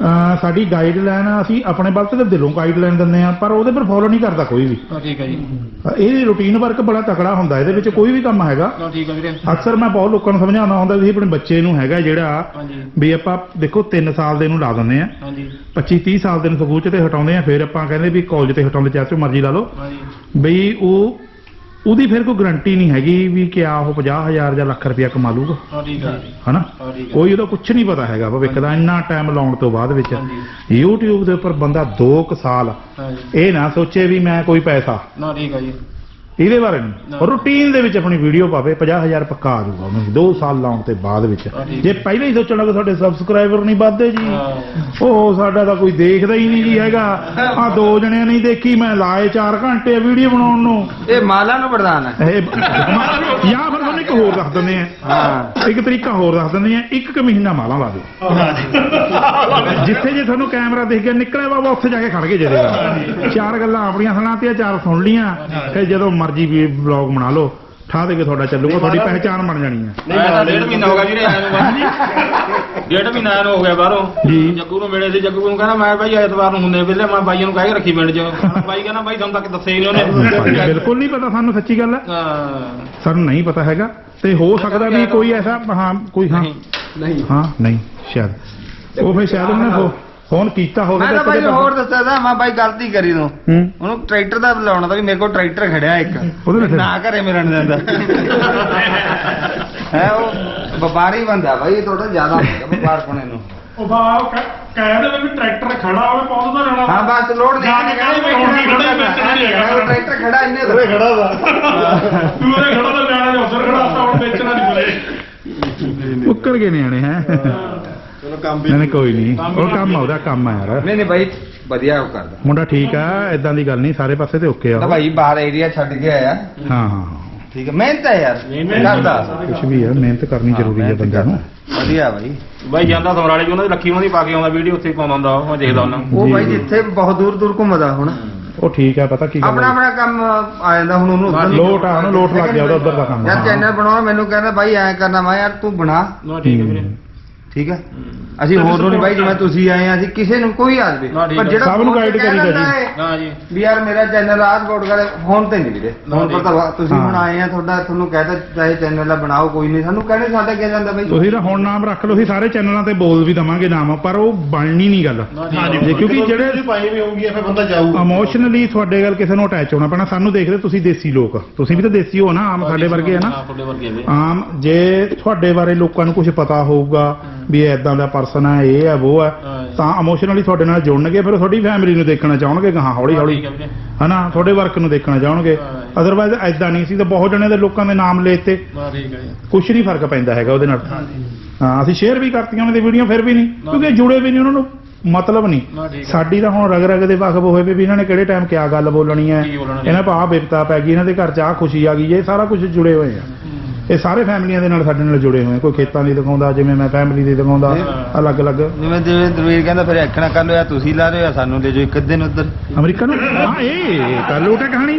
Speaker 1: ਸਾਡੀ ਗਾਈਡਲਾਈਨ ਅਸੀਂ ਆਪਣੇ ਵੱਲ ਤੇ ਦਿਲੋਂ ਗਾਈਡਲਾਈਨ ਦਿੰਦੇ ਆ, ਪਰ ਉਹਦੇ ਪਰ ਫੋਲੋ ਨਹੀਂ ਕਰਦਾ ਕੋਈ ਵੀ।
Speaker 2: ਠੀਕ ਹੈ ਜੀ।
Speaker 1: ਇਹ ਰੂਟੀਨ ਵਰਕ ਬੜਾ ਤਕੜਾ ਹੁੰਦਾ, ਇਹਦੇ ਵਿੱਚ ਕੋਈ ਵੀ ਕੰਮ ਹੈਗਾ।
Speaker 2: ਠੀਕ ਹੈ ਵੀਰੇ।
Speaker 1: ਅਕਸਰ ਮੈਂ ਬਹੁਤ ਲੋਕਾਂ ਨੂੰ ਸਮਝਾਉਂਦਾ ਹੁੰਦਾ ਵੀ ਆਪਣੇ ਬੱਚੇ ਨੂੰ ਹੈਗਾ ਜਿਹੜਾ ਵੀ ਆਪਾਂ ਦੇਖੋ 3 ਸਾਲ ਦੇ ਨੂੰ ਲਾ ਦਿੰਦੇ ਆ, 25-30 ਸਾਲ ਦੇ ਨੂੰ ਸਕੂਲ 'ਚ ਤੇ ਹਟਾਉਂਦੇ ਆ, ਫਿਰ ਆਪਾਂ ਕਹਿੰਦੇ ਵੀ ਕਾਲਜ ਤੇ ਹਟਾਉਂਦੇ, ਚਾਹੇ ਮਰਜ਼ੀ ਲਾ ਲਓ ਬਈ ਉਹਦੀ ਫਿਰ ਕੋਈ ਗਰੰਟੀ ਨਹੀਂ ਹੈਗੀ ਵੀ ਕਿਆ ਉਹ 50,000 ਜਾਂ ਲੱਖ ਰੁਪਇਆ ਕਮਾ ਲੂਗਾ। ਹਨਾ ਕੋਈ ਉਹਦਾ ਕੁਝ ਨਹੀਂ ਪਤਾ ਹੈਗਾ ਭਵਿੱਖ ਦਾ। ਇੰਨਾ ਟਾਈਮ ਲਾਉਣ ਤੋਂ ਬਾਅਦ ਵਿੱਚ YouTube ਦੇ ਉੱਪਰ ਬੰਦਾ 2 ਸਾਲ ਇਹ ਨਾ ਸੋਚੇ ਵੀ ਮੈਂ ਕੋਈ ਪੈਸਾ ਇਹਦੇ ਬਾਰੇ ਨਹੀਂ, ਰੂਟੀਨ ਦੇ ਵਿੱਚ ਆਪਣੀ ਵੀਡੀਓ ਪਾਵੇ 50,000 ਪੱਕਾ ਆ ਜਾਊਗਾ ਉਹਨੂੰ 2 ਸਾਲ ਲਾਉਣ ਤੇ ਬਾਅਦ ਵਿੱਚ। ਜੇ ਪਹਿਲਾਂ ਹੀ ਸੋਚਣ ਲੱਗੇ ਸਾਡੇ ਸਬਸਕ੍ਰਾਈਬਰ ਨਹੀਂ ਵੱਧਦੇ ਜੀ, ਉਹ ਸਾਡਾ ਤਾਂ ਕੋਈ ਦੇਖਦਾ ਹੀ ਨਹੀਂ ਜੀ ਹੈਗਾ, ਆ 2 ਜਣਿਆਂ ਨਹੀਂ ਦੇਖੀ, ਮੈਂ ਲਾਏ 4 ਘੰਟੇ ਵੀਡੀਓ ਬਣਾਉਣ ਨੂੰ।
Speaker 5: ਇਹ ਮਾਲਾ ਨੂੰ ਵਰਦਾਨ ਹੈ।
Speaker 1: ਜਾਂ ਫਿਰ ਤੁਹਾਨੂੰ ਇੱਕ ਹੋਰ ਦੱਸ ਦਿੰਦੇ ਆ, ਇੱਕ ਤਰੀਕਾ ਹੋਰ ਦੱਸ ਦਿੰਦੇ ਆ, 1 ਮਹੀਨਾ ਮਾਲਾ ਲਾ ਦਿਓ, ਜਿੱਥੇ ਜੇ ਤੁਹਾਨੂੰ ਕੈਮਰਾ ਦੇਖ ਕੇ ਨਿਕਲਿਆ ਬਾਬਾ ਉੱਥੇ ਜਾ ਕੇ ਖੜ ਕੇ ਜਦੇ 4 ਗੱਲਾਂ ਆਪਣੀਆਂ ਸੁਣਾਤੀਆਂ, 4 ਸੁਣ ਲੀਆਂ, ਫਿਰ ਜਦੋਂ ਮਰਜੀ ਵੀ ਵਲੌਗ ਬਣਾ ਲਓ, ਠਾ ਦੇ ਕੇ ਤੁਹਾਡਾ ਚੱਲੂਗਾ, ਤੁਹਾਡੀ ਪਹਿਚਾਣ ਬਣ ਜਾਣੀ ਹੈ।
Speaker 2: 1.5 ਮਹੀਨਾ ਹੋ ਗਿਆ ਵੀਰੇ ਆਏ ਨੂੰ, 1.5 ਮਹੀਨਾ ਆਇਆ ਨੂੰ ਹੋ ਗਿਆ ਬਾਹਰੋਂ ਜੀ। ਜੱਗੂ ਨੂੰ ਮਿਲੇ ਸੀ, ਜੱਗੂ ਨੂੰ ਕਹਿੰਦਾ ਮੈਂ ਭਾਈ ਐਤਵਾਰ ਨੂੰ ਹੁੰਦੇ ਵੇਲੇ, ਮੈਂ ਬਾਈਆਂ ਨੂੰ ਕਹਿ ਕੇ ਰੱਖੀ ਪਿੰਡ 'ਚ। ਬਾਈ ਕਹਿੰਦਾ ਬਾਈ ਤੁਹਾਨੂੰ ਤੱਕ ਦੱਸਿਆ ਹੀ ਨਹੀਂ ਉਹਨੇ।
Speaker 1: ਬਿਲਕੁਲ ਨਹੀਂ ਪਤਾ ਸਾਨੂੰ, ਸੱਚੀ ਗੱਲ ਹੈ, ਸਾਨੂੰ ਨਹੀਂ ਪਤਾ ਹੈਗਾ। ਤੇ ਹੋ ਸਕਦਾ ਵੀ ਕੋਈ ਐਸਾ ਕੋਈ ਨਹੀਂ ਸ਼ਾਇਦ ਉਹ ਫਿਰ ਸ਼ਾਇਦ ਉਹਨੇ ਫੋਨ ਕੀਤਾ ਹੋਵੇ।
Speaker 5: ਮੈਂ ਤਾਂ ਬਾਈ ਹੋਰ ਦੱਸਿਆ ਤਾਂ ਮੈਂ ਬਾਈ ਗਲਤੀ ਕਰੀ ਤੂੰ, ਉਹਨੂੰ ਟਰੈਕਟਰ ਦਾ ਬੁਲਾਉਣਾ ਤਾਂ ਵੀ ਮੇਰੇ ਕੋਲ ਟਰੈਕਟਰ ਖੜਿਆ ਇੱਕ, ਨਾ ਘਰੇ ਮਿਲਣ ਦਿੰਦਾ ਹੈ। ਉਹ ਵਪਾਰੀ ਬੰਦਾ ਬਾਈ, ਥੋੜਾ ਜ਼ਿਆਦਾ ਵਪਾਰ ਕੋਨੇ ਨੂੰ
Speaker 4: ਉਹ ਬਾਹਰ ਕਹਿ ਦੇ ਵੀ ਟਰੈਕਟਰ ਖੜਾ ਹੋਵੇ ਪਹੁੰਚਦਾ ਰਹਿਣਾ।
Speaker 5: ਹਾਂ ਬਸ ਲੋੜ ਨਹੀਂ ਟਰੈਕਟਰ ਖੜਾ ਇੰਨੇ
Speaker 6: ਖੜਾ ਵਾ
Speaker 4: ਤੂੰ ਉਹਦੇ ਖੜਾ ਤਾਂ ਲੈਣਾ ਜਾਂ ਉਧਰ ਖੜਾ ਤਾਂ ਹੁਣ ਵੇਚਣਾ ਨਹੀਂ ਬਲੇ
Speaker 1: ਉੱਕਰ ਗਏ ਨਿਆਣੇ ਹੈ। ਨਹੀਂ ਕੋਈ ਨਹੀਂ, ਉਹ ਕੰਮ ਉਹਦਾ ਕੰਮ ਆ ਯਾਰ।
Speaker 5: ਨਹੀਂ ਬਾਈ ਵਧੀਆ ਉਹ ਕਰਦਾ
Speaker 1: ਮੁੰਡਾ, ਠੀਕ ਆ, ਇਦਾਂ ਦੀ ਗੱਲ ਨਹੀਂ, ਸਾਰੇ ਪਾਸੇ ਤੇ ਓਕੇ ਆ
Speaker 5: ਤਾਂ ਭਾਈ ਬਾਹਰ ਏਰੀਆ ਛੱਡ ਕੇ ਆਇਆ।
Speaker 1: ਹਾਂ
Speaker 5: ਠੀਕ ਹੈ, ਮਿਹਨਤ ਹੈ ਯਾਰ ਕਰਦਾ,
Speaker 1: ਕੁਛ ਵੀ ਹੈ, ਮਿਹਨਤ ਕਰਨੀ ਜ਼ਰੂਰੀ ਹੈ ਬੰਦੇ ਨੂੰ।
Speaker 5: ਵਧੀਆ ਬਾਈ
Speaker 2: ਜਾਂਦਾ ਸਮਰਾਲੇ 'ਚ ਉਹਨਾਂ ਦੀ ਲੱਖੀ ਉਹਨਾਂ ਦੀ ਪਾ ਕੇ ਆਉਂਦਾ ਵੀਡੀਓ, ਉੱਥੇ ਪਾਉਂਦਾ ਹੁੰਦਾ, ਮੈਂ ਦੇਖਦਾ ਉਹਨਾਂ
Speaker 5: ਉਹ ਬਾਈ ਜਿੱਥੇ ਬਹੁਤ ਦੂਰ ਦੂਰ ਘੁੰਮਦਾ ਹੁਣ,
Speaker 1: ਉਹ ਠੀਕ ਆ, ਪਤਾ ਕੀ ਗੱਲ
Speaker 5: ਆਪਣਾ ਕੰਮ ਆ ਜਾਂਦਾ ਹੁਣ ਉਹਨੂੰ
Speaker 1: ਲੋਟ ਆ, ਉਹਨੂੰ ਲੋਟ ਲੱਗ ਗਿਆ ਉਹਦਾ ਉੱਧਰ ਦਾ ਕੰਮ।
Speaker 5: ਯਾਰ ਚੈਨਲ ਬਣਾਉਣਾ, ਮੈਨੂੰ ਕਹਿੰਦਾ ਬਾਈ ਐਂ ਕਰਨਾ, ਮੈਂ ਯਾਰ ਤੂੰ ਬਣਾ।
Speaker 2: ਠੀਕ ਹੈ ਵੀਰੇ,
Speaker 5: ਠੀਕ ਹੈ, ਅਸੀਂ ਹੋਰ ਨੂੰ ਨਹੀਂ ਬਾਈ, ਜਿਵੇਂ ਤੁਸੀਂ ਆਏ ਆ, ਅਸੀਂ ਕਿਸੇ ਨੂੰ ਕੋਈ ਆ ਜਾਵੇ, ਪਰ ਜਿਹੜਾ
Speaker 1: ਸਭ ਨੂੰ ਗਾਈਡ ਕਰੀਦਾ
Speaker 2: ਜੀ
Speaker 5: ਵੀ ਯਾਰ ਮੇਰਾ ਚੈਨਲ ਆਹ ਸਪੋਰਟ ਕਰੇ, ਫੋਨ ਤੇ ਨਹੀਂ ਵੀਰੇ, ਫੋਨ ਪਰ ਤਾਂ ਤੁਸੀਂ ਹੁਣ ਆਏ ਆ, ਤੁਹਾਨੂੰ ਕਹਿੰਦਾ ਚਾਹੇ ਚੈਨਲ ਦਾ ਬਣਾਓ, ਕੋਈ ਨਹੀਂ, ਸਾਨੂੰ ਕਹਿੰਦੇ ਸਾਡਾ ਕੀ ਜਾਂਦਾ ਬਾਈ।
Speaker 1: ਤੁਸੀਂ ਤਾਂ ਹੁਣ ਨਾਮ ਰੱਖ ਲਓ, ਅਸੀਂ ਸਾਰੇ ਚੈਨਲਾਂ ਤੇ ਬੋਲ ਵੀ ਦਵਾਂਗੇ ਨਾਮ, ਪਰ ਉਹ ਬਣਨੀ ਨਹੀਂ ਗੱਲ, ਕਿਉਂਕਿ ਜਿਹੜੇ
Speaker 6: ਪਾਈ ਵੀ ਹੋਊਗੀ ਫਿਰ ਬੰਦਾ ਜਾਊਗਾ।
Speaker 1: ਇਮੋਸ਼ਨਲੀ ਤੁਹਾਡੇ ਗੱਲ ਕਿਸੇ ਨੂੰ ਅਟੈਚ ਹੋਣਾ ਪੈਣਾ। ਸਾਨੂੰ ਦੇਖਦੇ ਤੁਸੀਂ ਦੇਸੀ ਲੋਕ, ਤੁਸੀਂ ਵੀ ਤਾਂ ਦੇਸੀ ਹੋ ਨਾ, ਆਮ ਸਾਡੇ ਵਰਗੇ ਆ ਨਾ, ਆਮ। ਜੇ ਤੁਹਾਡੇ ਬਾਰੇ ਲੋਕਾਂ ਨੂੰ ਕੁਝ ਪਤਾ ਹੋਊਗਾ ਵੀ ਏਦਾਂ ਦਾ ਪਰਸਨ ਹੈ, ਇਹ ਹੈ ਉਹ ਹੈ, ਤਾਂ ਇਮੋਸ਼ਨਲੀ ਤੁਹਾਡੇ ਨਾਲ ਜੁੜਨਗੇ, ਫਿਰ ਤੁਹਾਡੀ ਫੈਮਿਲੀ ਨੂੰ ਦੇਖਣਾ ਚਾਹਣਗੇ ਗਾਹਾਂ ਹੌਲੀ ਹੌਲੀ, ਹਨਾ, ਤੁਹਾਡੇ ਵਰਕ ਨੂੰ ਦੇਖਣਾ ਚਾਹਣਗੇ। ਅਦਰਵਾਈਜ਼ ਐਦਾਂ ਨਹੀਂ ਸੀ ਤਾਂ ਬਹੁਤ ਜਣੇ ਦੇ ਲੋਕਾਂ ਦੇ ਨਾਮ ਲੈ ਤੇ ਕੁਛ ਨਹੀਂ ਫਰਕ ਪੈਂਦਾ ਹੈਗਾ ਉਹਦੇ ਨਾਲ। ਹਾਂ, ਅਸੀਂ ਸ਼ੇਅਰ ਵੀ ਕਰਤੀਆਂ ਉਹਨਾਂ ਦੀ ਵੀਡੀਓ, ਫਿਰ ਵੀ ਨਹੀਂ, ਕਿਉਂਕਿ ਜੁੜੇ ਵੀ ਨਹੀਂ, ਉਹਨਾਂ ਨੂੰ ਮਤਲਬ ਨਹੀਂ। ਸਾਡੀ ਤਾਂ ਹੁਣ ਰਗ ਰਗ ਦੇ ਵਾਕਫ ਹੋਏ ਵੀ ਇਹਨਾਂ ਨੇ ਕਿਹੜੇ ਟਾਈਮ ਕਿਆ ਗੱਲ ਬੋਲਣੀ ਹੈ, ਇਹਨਾਂ ਪਾ ਬਿਪਤਾ ਪੈ ਗਈ, ਇਹਨਾਂ ਦੇ ਘਰ 'ਚ ਆਹ ਖੁਸ਼ੀ ਆ ਗਈ, ਇਹ ਸਾਰਾ ਕੁਝ ਜੁੜੇ ਹੋਏ ਆ। ਇਹ ਸਾਰੇ ਫੈਮਲੀਆਂ ਦੇ ਨਾਲ ਸਾਡੇ ਨਾਲ ਜੁੜੇ ਹੋਏ, ਕੋਈ ਖੇਤਾਂ ਦੀ ਦਿਖਾਉਂਦਾ, ਜਿਵੇਂ ਮੈਂ ਫੈਮਿਲੀ ਦੀ ਦਿਖਾਉਂਦਾ, ਅਲੱਗ-ਅਲੱਗ।
Speaker 5: ਜਿਵੇਂ ਦਰਵੀਰ ਕਹਿੰਦਾ ਫਿਰ ਐਕਣਾ ਕਰ ਲਓ, ਤੁਸੀਂ ਲਾ ਰਹੇ ਹੋ, ਸਾਨੂੰ ਲੈ ਜਾਓ ਇੱਕ ਦਿਨ ਉੱਧਰ
Speaker 1: ਅਮਰੀਕਾ ਨੂੰ। ਹਾਂ, ਇਹ ਕੱਲ ਉਟੇ ਕਹਾਣੀ,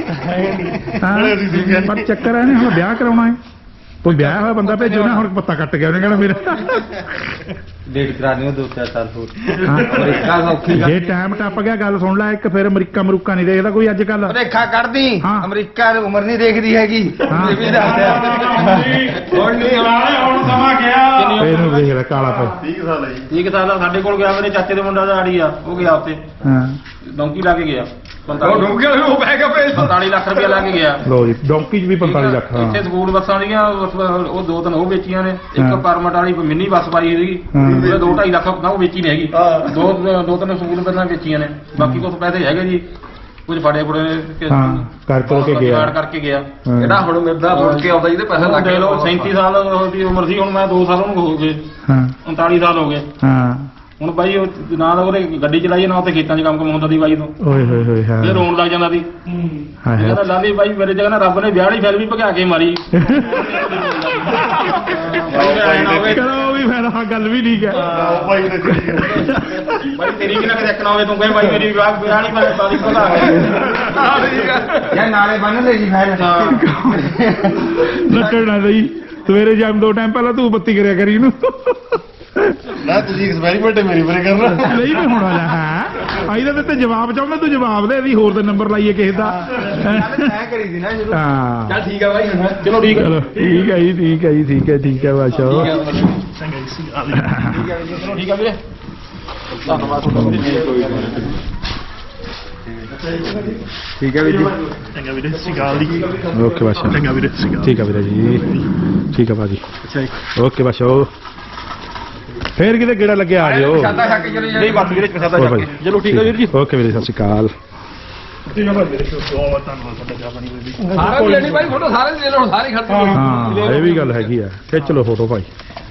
Speaker 1: ਪਰ ਚੱਕਰ ਹੈ ਹੁਣ ਵਿਆਹ ਕਰਾਉਣਾ ਹੈ, ਕੋਈ ਵਿਆਹ ਹੋਇਆ ਬੰਦਾ ਭੇਜੋ ਨਾ, ਹੁਣ ਪੱਤਾ ਕੱਟ ਗਿਆ ਉਹਨੇ ਕਹਿਣਾ ਮੇਰਾ
Speaker 5: ਡੇਟ ਕਰਾਣੀ 2-4 ਸਾਲ ਹੋਰ। ਅਮਰੀਕਾ ਸੌਖੀ
Speaker 1: ਜੇ ਟਾਈਮ ਟੱਪ ਗਿਆ, ਗੱਲ ਸੁਣ ਲੈ, ਇੱਕ ਫਿਰ ਅਮਰੀਕਾ ਮਰੂਕਾ ਨਹੀਂ ਦੇਖਦਾ ਕੋਈ ਅੱਜ ਕੱਲ।
Speaker 5: ਰੇਖਾ ਕੱਢਦੀ, ਅਮਰੀਕਾ ਉਮਰ ਨਹੀਂ ਦੇਖਦੀ ਹੈਗੀ, ਇਹ ਵੀ ਦੱਸਦਾ
Speaker 4: ਹੁਣ ਨਹੀਂ ਹੁਣ ਸਮਾਂ ਗਿਆ,
Speaker 1: ਇਹਨੂੰ ਦੇਖ ਲੈ ਕਾਲਾ ਪੈ
Speaker 6: 30 ਸਾਲ ਹੈ ਜੀ।
Speaker 2: 30 ਸਾਲ ਦਾ ਸਾਡੇ ਕੋਲ ਗਿਆ, ਮੇਰੇ ਚਾਚੇ ਦੇ ਮੁੰਡਾ ਦਾ ਆੜੀ ਆ, ਉਹ ਗਿਆ ਉੱਥੇ ਡੌਂਕੀ ਲਾ ਕੇ ਗਿਆ,
Speaker 5: ਉਹ ਡੁੱਬ ਗਿਆ, ਉਹ ਬਹਿ ਗਿਆ
Speaker 2: 45 ਲੱਖ ਰੁਪਇਆ ਲਾ ਕੇ ਗਿਆ।
Speaker 1: ਲੋ ਜੀ, ਡੌਂਕੀ 'ਚ ਵੀ 45 ਲੱਖ।
Speaker 2: ਇੱਥੇ ਸਕੂਲ ਬੱਸਾਂ ਦੀਆਂ ਉਹ 2-3 ਉਹ ਵੇਚੀਆਂ ਨੇ, ਇੱਕ ਪਰਮਟ ਵਾਲੀ ਮਿੰਨੀ ਬੱਸ ਪਾਈ ਸੀਗੀ, ਉਹਦੇ 2-2.5 ਲੱਖ ਨਾ ਉਹ ਵੇਚੀ ਨਹੀਂ ਹੈਗੀ, 2-3 ਸਕੂਲ ਬੱਸਾਂ ਵੇਚੀਆਂ ਨੇ, ਬਾਕੀ ਕੁਝ ਪੈਸੇ ਹੈਗੇ ਜੀ, ਕੁਝ ਫੜੇ ਫੁੜੇ
Speaker 1: ਕਰਕੇ ਗਿਆ,
Speaker 2: ਕਰਕੇ ਗਿਆ।
Speaker 3: ਜਿਹੜਾ ਹੁਣ ਮਿਲਦਾ ਮੁੜ ਕੇ ਆਉਂਦਾ ਜਿਹਦੇ ਪੈਸੇ ਲੱਗ ਗਏ।
Speaker 2: 37 ਸਾਲ ਦੀ ਉਮਰ ਸੀ, ਹੁਣ ਮੈਂ 2 ਸਾਲ ਉਹਨੂੰ ਹੋ ਗਏ, 39 ਸਾਲ ਹੋ ਗਏ। ਹੁਣ ਬਾਈ ਉਹ ਨਾ ਤਾਂ ਉਹਦੇ ਗੱਡੀ ਚਲਾਈਏ, ਨਾ ਉੱਥੇ ਖੇਤਾਂ 'ਚ ਕੰਮ ਕਮਾਉਂਦਾ ਦੀ ਬਾਈ ਤੋਂ,
Speaker 1: ਓਏ ਹੋਏ ਹੋਏ, ਹਾਂ,
Speaker 2: ਇਹ ਰੋਣ ਲੱਗ ਜਾਂਦਾ ਸੀ। ਕਹਿੰਦਾ ਲਾਲੀ ਬਾਈ ਮੇਰੇ ਜਗ੍ਹਾ ਨਾ ਰੱਬ ਨੇ ਵਿਆਹ ਵਾਲੀ ਫਿਲਮ ਵੀ ਭਗਾ ਕੇ ਮਾਰੀ।
Speaker 1: ਚਲੋ ਵੀ ਫਿਰ ਹਾਂ, ਗੱਲ ਵੀ ਠੀਕ ਹੈ
Speaker 6: ਭਾਈ ਨੇ
Speaker 2: ਬਾਈ ਤੇਰੀ ਵੀ ਨਾ ਕਿਤੇ ਇੱਕ ਨਾ ਹੋਵੇ, ਤੂੰ ਕਹੇ ਬਾਈ ਮੇਰੀ ਵਿਆਹ ਵਾਲੀ ਮੈਂ ਤਾਰੀਖ ਭਗਾ ਕੇ
Speaker 5: ਯਾਰ ਨਾਲੇ ਬੰਨ ਲੈ ਜੀ ਫਿਰ
Speaker 1: ਲੱਟਣ ਨਾ ਲਈ, ਸਵੇਰੇ ਜਾਮ 2 ਟਾਈਮ ਪਹਿਲਾਂ ਤੂੰ ਬੱਤੀ ਕਰਿਆ ਕਰੀ ਇਹਨੂੰ।
Speaker 6: ਨਾ ਤੁਸੀਂ ਐਕਸਪੈਰੀਮੈਂਟ ਮੇਰੀ ਬਾਰੇ ਕਰਨਾ
Speaker 1: ਨਹੀਂ ਵੀ ਹੋਣਾ ਜਾਂ ਹਾਂ ਇਹਦੇ ਤੇ ਜਵਾਬ ਚਾਹੁੰਦਾ ਤੂੰ ਜਵਾਬ ਦੇ ਵੀ ਹੋਰ ਦਾ ਨੰਬਰ ਲਾਈਏ ਕਿਸੇ ਦਾ
Speaker 5: ਮੈਂ ਕਰੀ ਸੀ ਨਾ ਸ਼ੁਰੂ
Speaker 1: ਹਾਂ
Speaker 3: ਚੱਲ ਠੀਕ ਆ ਬਾਈ ਹੁਣ ਚਲੋ ਠੀਕ ਆ
Speaker 1: ਚਲੋ ਠੀਕ ਹੈ ਜੀ ਠੀਕ ਹੈ ਬਾਸ਼ਾ
Speaker 2: ਚਲੋ ਠੀਕ ਆ ਵੀਰੇ ਧੰਨਵਾਦ ਤੁਹਾਡਾ ਵੀਰੇ
Speaker 5: ਠੀਕ ਹੈ ਵੀਰ ਜੀ
Speaker 4: ਚੰਗਾ ਵੀਰੇ ਸਿਗਾਲ ਦੀ
Speaker 1: ਓਕੇ ਬਾਸ਼ਾ
Speaker 4: ਚੰਗਾ ਵੀਰੇ ਸਿਗਾਲ
Speaker 1: ਠੀਕ ਹੈ ਵੀਰੇ ਜੀ ਠੀਕ ਹੈ ਭਾਜੀ ਓਕੇ ਬਾਸ਼ਾ ਫੇਰ ਕਿਤੇ ਗੇੜਾ ਲੱਗਿਆ ਆ ਜਿਓ
Speaker 3: ਪ੍ਰਸ਼ਾਦਾ ਛੱਕ ਕੇ ਚਲੇ
Speaker 2: ਨਹੀਂ ਬਸ ਵੀਰੇ ਪ੍ਰਸ਼ਾਦਾ ਛੱਕ ਕੇ ਚਲੋ ਠੀਕ ਆ ਵੀਰ ਜੀ
Speaker 1: ਓਕੇ ਵੀਰੇ ਸਤਿ ਸ਼੍ਰੀ ਅਕਾਲ
Speaker 4: ਠੀਕ ਆ ਭਾਈ ਵੀਰੇ ਬਹੁਤ ਧੰਨਵਾਦ ਤੁਹਾਡਾ ਚਾਹ ਪਾਣੀ ਕੋਈ ਵੀ
Speaker 3: ਸਾਰਾ ਵੀ ਲੈਣੀ ਬਾਈ ਫੋਟੋ ਸਾਰੇ ਲੈ ਲਓ ਸਾਰੇ ਖੜਦੇ
Speaker 1: ਹਾਂ ਇਹ ਵੀ ਗੱਲ ਹੈਗੀ ਆ ਖਿੱਚ ਲਓ ਫੋਟੋ ਭਾਈ